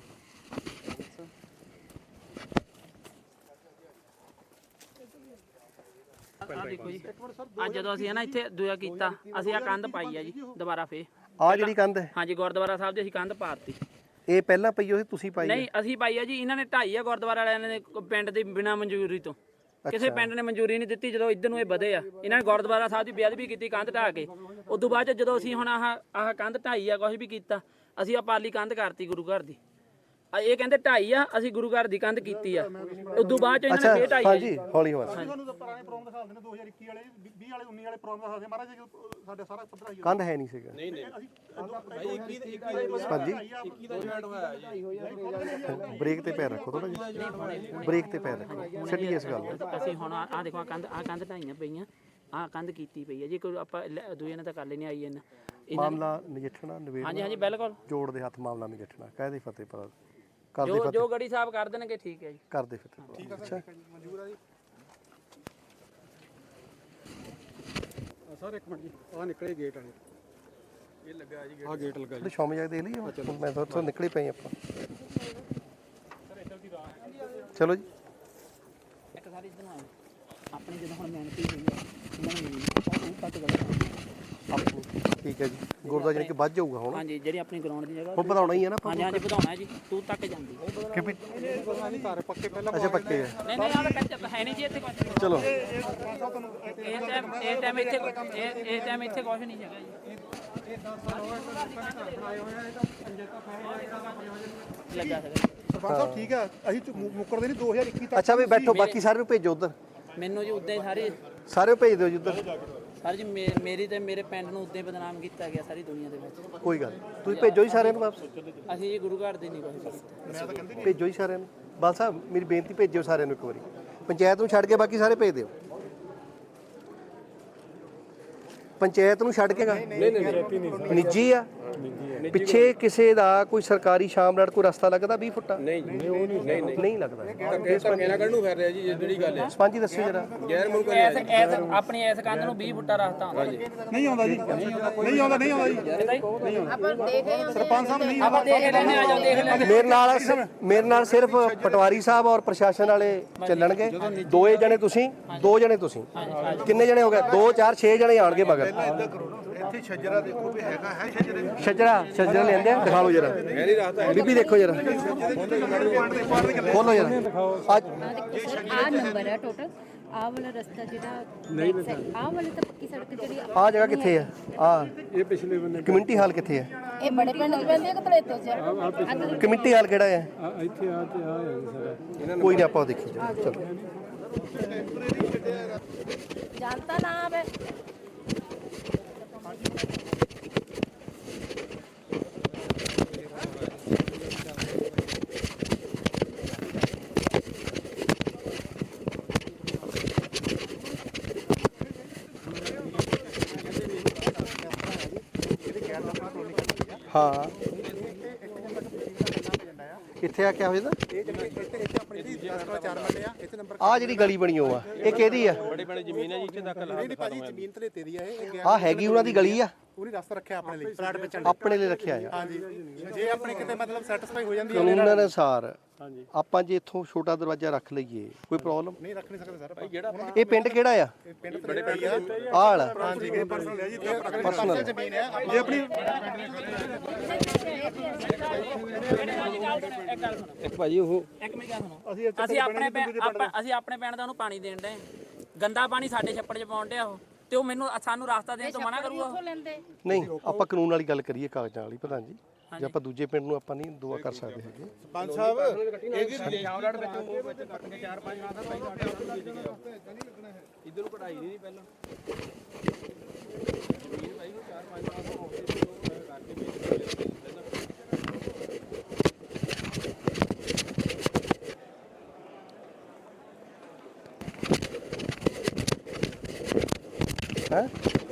Speaker 5: ਆ ਦੇਖੋ ਜੀ, ਅੱਜ ਜਦੋਂ ਅਸੀਂ ਨਾ ਇੱਥੇ ਦੂਆ ਕੀਤਾ, ਅਸੀਂ ਆ ਕੰਧ ਪਾਈ ਆ ਜੀ ਦੁਬਾਰਾ ਫੇਰ।
Speaker 1: ਆ ਜਿਹੜੀ ਕੰਧ ਹੈ
Speaker 5: ਹਾਂਜੀ ਗੁਰਦੁਆਰਾ ਸਾਹਿਬ ਦੀ ਅਸੀਂ ਕੰਧ ਪਾਤੀ।
Speaker 1: ਇਹ ਪਹਿਲਾਂ ਪਈ ਹੋਈ ਤੁਸੀਂ ਪਾਈ ਆ?
Speaker 5: ਨਹੀਂ ਅਸੀਂ ਪਾਈ ਆ ਜੀ, ਇਹਨਾਂ ਨੇ ਢਾਈ ਆ ਗੁਰਦੁਆਰਾ ਵਾਲਿਆਂ ਨੇ ਪਿੰਡ ਦੀ ਬਿਨਾਂ ਮਨਜ਼ੂਰੀ ਤੋਂ। ਕਿਸੇ ਪਿੰਡ ਨੇ ਮਨਜ਼ੂਰੀ ਨਹੀਂ ਦਿੱਤੀ। ਜਦੋਂ ਇੱਧਰ ਨੂੰ ਇਹ ਵਧੇ ਆ, ਇਹਨਾਂ ਨੇ ਗੁਰਦੁਆਰਾ ਸਾਹਿਬ ਦੀ ਬੇਅਦਬੀ ਕੀਤੀ ਕੰਧ ਢਾਹ ਕੇ। ਉਸ ਤੋਂ ਬਾਅਦ 'ਚ ਜਦੋਂ ਅਸੀਂ ਹੁਣ ਆਹ ਆਹ ਕੰਧ ਢਾਈ ਆ, ਕੁਛ ਵੀ ਕੀਤਾ, ਅਸੀਂ ਆ ਪਾਲੀ ਕੰਧ ਕਰਤੀ ਗੁਰੂ ਘਰ ਦੀ। ਆ ਇਹ ਕਹਿੰਦੇ ਢਾਈ ਆ, ਅਸੀਂ ਗੁਰੂ ਘਰ ਦੀ ਕੰਧ ਕੀਤੀ ਆ। ਉਸ ਤੋਂ ਬਾਅਦ 'ਚ ਇਹਨਾਂ ਨੇ ਫੇਰ ਢਾਈ ਆ ਜੀ।
Speaker 1: ਹਾਂਜੀ ਹੌਲੀ ਹੌਲੀ
Speaker 4: ਤੁਹਾਨੂੰ ਤਾਂ ਪੁਰਾਣੇ ਪ੍ਰੋਗਰਾਮ ਦਿਖਾ ਦਿੰਦੇ ਨੇ ਦੋ ਹਜ਼ਾਰ ਇੱਕੀ ਵਾਲੇ ਵੀਹ ਵਾਲੇ ਉੱਨੀ ਵਾਲੇ ਪ੍ਰੋਗਰਾਮ ਦਿਖਾ ਦਿੰਦੇ ਮਹਾਰਾਜ ਜੀ ਸਾਡੇ ਸਾਰਾ ਪੱਧਰ ਆਈ
Speaker 1: ਕੰਧ ਹੈ ਨਹੀਂ ਸੀਗਾ।
Speaker 3: ਨਹੀਂ ਨਹੀਂ
Speaker 4: ਅਸੀਂ
Speaker 3: ਭਾਈ ਇੱਕੀ ਦੇ
Speaker 1: ਹਾਂਜੀ
Speaker 3: ਇੱਕੀ ਦਾ ਜੁਆਇੰਟ ਹੋਇਆ ਜੀ।
Speaker 1: ਬ੍ਰੇਕ ਤੇ ਪੈਰ ਰੱਖੋ ਥੋੜਾ ਜਿਹਾ, ਬ੍ਰੇਕ ਤੇ ਪੈਰ ਰੱਖੋ, ਛੱਡੀਏ ਇਸ ਗੱਲ ਨੂੰ।
Speaker 5: ਅਸੀਂ ਹੁਣ ਆ ਦੇਖੋ ਆ ਕੰਧ ਆ ਕੰਧ ਢਾਈਆਂ ਪਈਆਂ, ਆ ਕੰਧ ਕੀਤੀ ਪਈ ਆ ਜੀ। ਕੋਈ ਆਪਾਂ ਦੂਏ ਨੇ ਤਾਂ ਕਰ ਲੈਣੀ ਆਈ ਇਹਨਾਂ
Speaker 1: ਮਾਮਲਾ ਨਜਿੱਠਣਾ ਨਵੇੜ
Speaker 5: ਹਾਂਜੀ ਹਾਂਜੀ ਬਿਲਕੁਲ
Speaker 1: ਜੋੜ ਦੇ ਹੱਥ ਮਾਮਲਾ ਨਜਿੱਠਣਾ ਕਾਹਦੇ ਫਤਿਹ ਪਰ ਕਰਦੇ
Speaker 5: ਜੋ
Speaker 1: ਫਤਿਹ
Speaker 5: ਜੋ ਗੜੀ ਸਾਹਿਬ ਕਰ ਦੇਣਗੇ ਠੀਕ ਹੈ ਜੀ।
Speaker 1: ਕਰਦੇ ਫਤਿਹ। ਠੀਕ ਹੈ ਅੱਛਾ
Speaker 4: ਮਨਜ਼ੂਰ ਆ ਜੀ। ਸਰ ਇੱਕ ਮਿੰਟ ਜੀ, ਆ ਨਿਕਲੇ ਗੇਟ ਵਾਲੇ।
Speaker 3: ਇਹ ਲੱਗਾ ਜੀ
Speaker 4: ਆ ਗੇਟ ਲੱਗਾ
Speaker 1: ਤੇ ਸ਼ਾਮ ਜਾ ਕੇ ਦੇਖ ਲਈਏ ਹੁਣ। ਮੈਂ ਤਾਂ ਉੱਥੋਂ ਨਿਕਲੇ ਪਏ ਆਪਾਂ। ਚਲੋ ਜੀ
Speaker 5: ਇੱਕ ਸਾਰੀ ਇੱਧਰ ਨੂੰ ਆਓ। ਆਪਣੀ ਜਦੋਂ ਹੁਣ ਮਿਹਨਤੀ ਹੋਈ ਹੈ ਇਹਨਾਂ ਨੂੰ ਉਹ ਕੱਟ ਗਲਤ
Speaker 1: ਆਪਣੀ ਠੀਕ ਹੈ ਜੀ। ਗੁਰਦੁਆਰਾ ਜਾਨੀ ਕਿ ਵੱਧ ਜਾਊਗਾ ਹੁਣ।
Speaker 5: ਹਾਂਜੀ ਜਿਹੜੀ ਆਪਣੀ ਗਰਾਊਂਡ ਦੀ ਜਗ੍ਹਾ
Speaker 1: ਹੁਣ ਵਧਾਉਣਾ ਹੀ ਹੈ ਨਾ
Speaker 5: ਹਾਂਜੀ ਹਾਂਜੀ ਵਧਾਉਣਾ ਹੈ ਜੀ। ਤੂੰ ਤੱਕ ਜਾਂਦੀ
Speaker 1: ਕਿ ਵੀ
Speaker 4: ਘਰ ਪੱਕੇ ਪਹਿਲਾਂ
Speaker 1: ਅੱਛਾ ਪੱਕੇ ਹੈ।
Speaker 5: ਨਹੀਂ ਨਹੀਂ ਆਹ ਕੱਚਾ ਹੈ ਨਹੀਂ ਜੀ ਇੱਥੇ ਕੁਝ।
Speaker 1: ਚਲੋ
Speaker 5: ਇਹ ਟਾਈਮ ਇਹ ਟਾਈਮ ਇੱਥੇ ਇਹ ਇਹ ਟਾਈਮ ਇੱਥੇ ਕੁਝ ਨਹੀਂ ਹੈਗਾ ਜੀ। ਲੱਗਾ ਹੈਗਾ
Speaker 4: ਸਰਪੰਚ ਸਾਹਿਬ ਠੀਕ ਆ, ਅਸੀਂ ਝੁ- ਮੁ- ਮੁੱਕਰਦੇ ਨਹੀਂ ਦੋ ਹਜ਼ਾਰ ਇੱਕੀ ਤੱਕ।
Speaker 1: ਅੱਛਾ ਵੀ ਬੈਠੋ, ਬਾਕੀ ਸਾਰੇ ਨੂੰ ਭੇਜੋ ਉਧਰ,
Speaker 5: ਮੈਨੂੰ ਜੀ ਉਦਾਂ ਹੀ ਸਾਰੇ
Speaker 1: ਸਾਰੇ ਨੂੰ ਭੇਜ ਦਿਓ ਜੀ ਉਧਰ।
Speaker 5: ਸਰ ਜੀ ਮੇ- ਮੇਰੀ ਤੇ ਮੇਰੇ ਪਿੰਡ ਨੂੰ ਉਦਾਂ ਹੀ ਬਦਨਾਮ ਕੀਤਾ ਗਿਆ ਸਾਰੀ ਦੁਨੀਆ ਦੇ ਵਿੱਚ।
Speaker 1: ਕੋਈ ਗੱਲ ਨੀ। ਤੁਸੀਂ ਭੇਜੋ ਜੀ ਸਾਰਿਆਂ ਨੂੰ ਵਾਪਸ,
Speaker 5: ਅਸੀਂ ਜੀ ਗੁਰੂ ਘਰ ਦੀ ਨਹੀਂ ਕੁਛ ਕੀਤਾ।
Speaker 1: ਭੇਜੋ ਜੀ ਸਾਰਿਆਂ ਨੂੰ। ਬਾਲ ਸਾਹਿਬ ਮੇਰੀ ਬੇਨਤੀ ਭੇਜਿਓ ਸਾਰਿਆਂ ਨੂੰ ਇੱਕ ਵਾਰੀ। ਪੰਚਾਇਤ ਨੂੰ ਛੱਡ ਕੇ ਬਾਕੀ ਸਾਰੇ ਭੇਜ ਦਿਓ। ਪੰਚਾਇਤ ਨੂੰ ਛੱਡ ਕੇ ਨਹੀਂ ਨਹੀਂ ਨਿੱਜੀ ਆ। ਪਿੱਛੇ ਕਿਸੇ ਦਾ ਕੋਈ ਸਰਕਾਰੀ ਸ਼ਾਮਲਾਟ ਕੋਈ ਰਸਤਾ ਲੱਗਦਾ ਵੀਹ ਫੁੱਟਾ?
Speaker 3: ਨਹੀਂ ਜੀ ਨਹੀਂ ਨਹੀਂ
Speaker 1: ਨਹੀਂ ਲੱਗਦਾ।
Speaker 3: ਧੱਕੇ ਧੱਕੇ ਨਾਲ ਕੱਢਣੂ ਫਿਰ ਰਿਹਾ ਜੀ ਜਿਹੜੀ ਗੱਲ ਹੈ।
Speaker 1: ਸਪੰਜੀ ਦੱਸਿਓ ਜਰਾ।
Speaker 3: ਗੈਰ ਮੁਲਕ
Speaker 5: ਐਸ ਐਸ ਆਪਣੀ ਐਸ ਕੰਧ ਨੂੰ ਵੀਹ ਫੁੱਟਾ ਰਸਤਾ ਹੁੰਦਾ ਜੀ।
Speaker 4: ਨਹੀਂ ਆਉਂਦਾ ਜੀ, ਨਹੀਂ ਆਉਂਦਾ ਨਹੀਂ ਆਉਂਦਾ ਜੀ। ਸਰਪੰਚ ਸਾਹਿਬ ਨਹੀਂ
Speaker 5: ਆਪਾਂ ਦੇਖ ਲੈਣੇ, ਆ ਜਾਓ ਦੇਖ ਲੈਣੇ।
Speaker 1: ਮੇਰੇ ਨਾਲ ਮੇਰੇ ਨਾਲ ਸਿਰਫ ਪਟਵਾਰੀ ਸਾਹਿਬ ਔਰ ਪ੍ਰਸ਼ਾਸਨ ਵਾਲੇ ਚੱਲਣਗੇ। ਦੋਏ ਜਣੇ ਤੁਸੀਂ, ਦੋ ਜਣੇ ਤੁਸੀਂ, ਕਿੰਨੇ ਜਣੇ ਹੋ ਗਏ? ਦੋ ਚਾਰ ਛੇ ਜਣੇ ਆਣਗੇ ਮਗਰ।
Speaker 2: ਇੱਥੇ ਛੱਜਰਾ ਦੇਖੋ ਵੀ ਹੈਗਾ ਹੈ ਛੱਜਰੇ।
Speaker 1: ਛੱਜਰਾ ਛੱਜਰਾ ਲੈਂਦੇ ਆ, ਦਿਖਾ ਲਓ ਜਰਾ। ਬੀਬੀ ਦੇਖੋ ਜਰਾ, ਖੋਲੋ ਜਰਾ। ਅੱਜ
Speaker 7: ਆ ਨੰਬਰ ਹੈ ਟੋਟਲ। ਆਹ ਵਾਲਾ ਰਸਤਾ ਜਿਹੜਾ ਆਹ ਵਾਲੀ ਤਾਂ ਪੱਕੀ ਸੜਕ ਜਿਹੜੀ
Speaker 1: ਆ ਜਗ੍ਹਾ ਕਿੱਥੇ ਹੈ? ਆ
Speaker 2: ਇਹ ਪਿਛਲੇ ਬੰਨੇ
Speaker 1: ਕਮਿਊਨਿਟੀ ਹਾਲ ਕਿੱਥੇ ਹੈ?
Speaker 7: ਇਹ ਬੜੇ ਪਿੰਡ ਚ ਪੈਂਦੀ ਹੈ ਕਿ ਤਲੇਤੋ ਚ?
Speaker 1: ਕਮਿਊਨਿਟੀ ਹਾਲ ਕਿਹੜਾ ਹੈ?
Speaker 2: ਆ ਇੱਥੇ ਆ ਤੇ ਆ ਹੈ ਸਾਰਾ।
Speaker 1: ਕੋਈ ਨਹੀਂ, ਆਪਾਂ ਉਹ ਦੇਖੀ ਜਾ। ਚਲੋ
Speaker 7: ਜਾਣਤਾ ਨਾ ਆਵੇ।
Speaker 1: ਹਾਂ ਕਿੱਥੇ ਆ ਕਿਆ ਹੋ ਜਾਂਦਾ? ਆ ਜਿਹੜੀ ਗਲੀ ਬਣੀ ਉਹ ਆ, ਇਹ ਕਿਹਦੀ ਆ?
Speaker 3: ਬੜੇ ਬੜੇ ਜ਼ਮੀਨ ਹੈ ਜੀ ਇੱਥੇ ਤੱਕ ਲਾ
Speaker 2: ਭਾਜੀ ਜ਼ਮੀਨ ਤੇ ਤੇਰੀ ਆ ਇਹ।
Speaker 1: ਆ ਹੈਗੀ ਉਹਨਾਂ ਦੀ ਗਲੀ ਆ।
Speaker 4: ਉਹਨੇ ਰਸਤਾ ਰੱਖਿਆ ਆਪਣੇ ਲਈ ਪਲਾਟ ਵੇਚਣ ਲਈ।
Speaker 1: ਆਪਣੇ ਲਈ ਰੱਖਿਆ ਆ।
Speaker 4: ਹਾਂਜੀ ਜੇ ਆਪਣੇ ਕਿਤੇ ਮਤਲਬ ਸੈਟੀਸਫਾਈ ਹੋ ਜਾਂਦੀ ਹੈ
Speaker 1: ਕਾਨੂੰਨ ਅਨੁਸਾਰ ਆਪਾਂ ਜੇ ਇੱਥੋਂ ਛੋਟਾ ਦਰਵਾਜ਼ਾ ਰੱਖ ਲਈਏ ਕੋਈ ਪ੍ਰੋਬਲਮ
Speaker 4: ਨਹੀਂ ਰੱਖ ਨਹੀਂ ਸਕਦੇ ਸਰ ਜਿਹੜਾ
Speaker 1: ਇਹ ਪਿੰਡ ਕਿਹੜਾ ਆ
Speaker 4: ਪਿੰਡ ਬੜੇ ਪਈ ਆ
Speaker 1: ਆਲ
Speaker 4: ਹਾਂਜੀ ਇਹ ਪਰਸਨਲ ਹੈ ਜੀ ਪਰਸਨਲ ਜ਼ਮੀਨ ਹੈ ਜੇ ਆਪਣੀ
Speaker 5: ਇੱਕ ਗੱਲ ਸੁਣੋ
Speaker 3: ਇੱਕ ਭਾਜੀ ਉਹ
Speaker 5: ਇੱਕ ਮਿੰਟ ਗੱਲ ਸੁਣੋ
Speaker 4: ਅਸੀਂ
Speaker 5: ਅਸੀਂ ਆਪਣੇ ਪਿੰਡ ਆਪਾਂ- ਅਸੀਂ ਆਪਣੇ ਪਿੰਡ ਦਾ ਉਹਨੂੰ ਪਾਣੀ ਦੇਣ ਦੇ ਗੰਦਾ ਪਾਣੀ ਸਾਡੇ ਛੱਪੜ 'ਚ ਪਾਉਣ ਡਿਆ ਉਹ ਤੇ ਉਹ ਮੈਨੂੰ ਸਾਨੂੰ ਰਸਤਾ ਦੇਣ ਤੋਂ ਮਨਾ ਕਰੂਗਾ ਉਹ?
Speaker 1: ਨਹੀਂ ਆਪਾਂ ਕਾਨੂੰਨ ਵਾਲੀ ਗੱਲ ਕਰੀਏ ਕਾਗਜ਼ਾਂ ਵਾਲੀ ਪ੍ਰਧਾਨ ਜੀ ਜੇ ਆਪਾਂ ਦੂਜੇ ਪਿੰਡ ਨੂੰ ਆਪਾਂ ਨਹੀਂ ਦੁਆ ਕਰ ਸਕਦੇ ਹੈਗੇ
Speaker 4: ਪੰਜ ਸਾਹਿਬ ਇਹ ਕੀ
Speaker 3: ਸ਼ਾਮਲਾਟ ਵਿੱਚ ਉਹ ਵਿੱਚ ਕੱਟ ਕੇ ਚਾਰ ਪੰਜ ਮਾਸਾਂ ਪਹਿਲਾਂ ਸਾਡੇ ਉੱਤੇ ਵੇਚ ਗਏ ਇਧਰ ਨੂੰ ਕਢਾਈ ਨਹੀਂ ਪਹਿਲਾਂ ਜ਼ਮੀਨ ਭਾਈ ਨੂੰ ਚਾਰ ਪੰਜ ਮਾਸਾਂ ਹੋ ਗਏ ਉਹ ਕਰਕੇ ਵੇਚ ਗਏ ਪਹਿਲਾਂ
Speaker 1: ਹੈ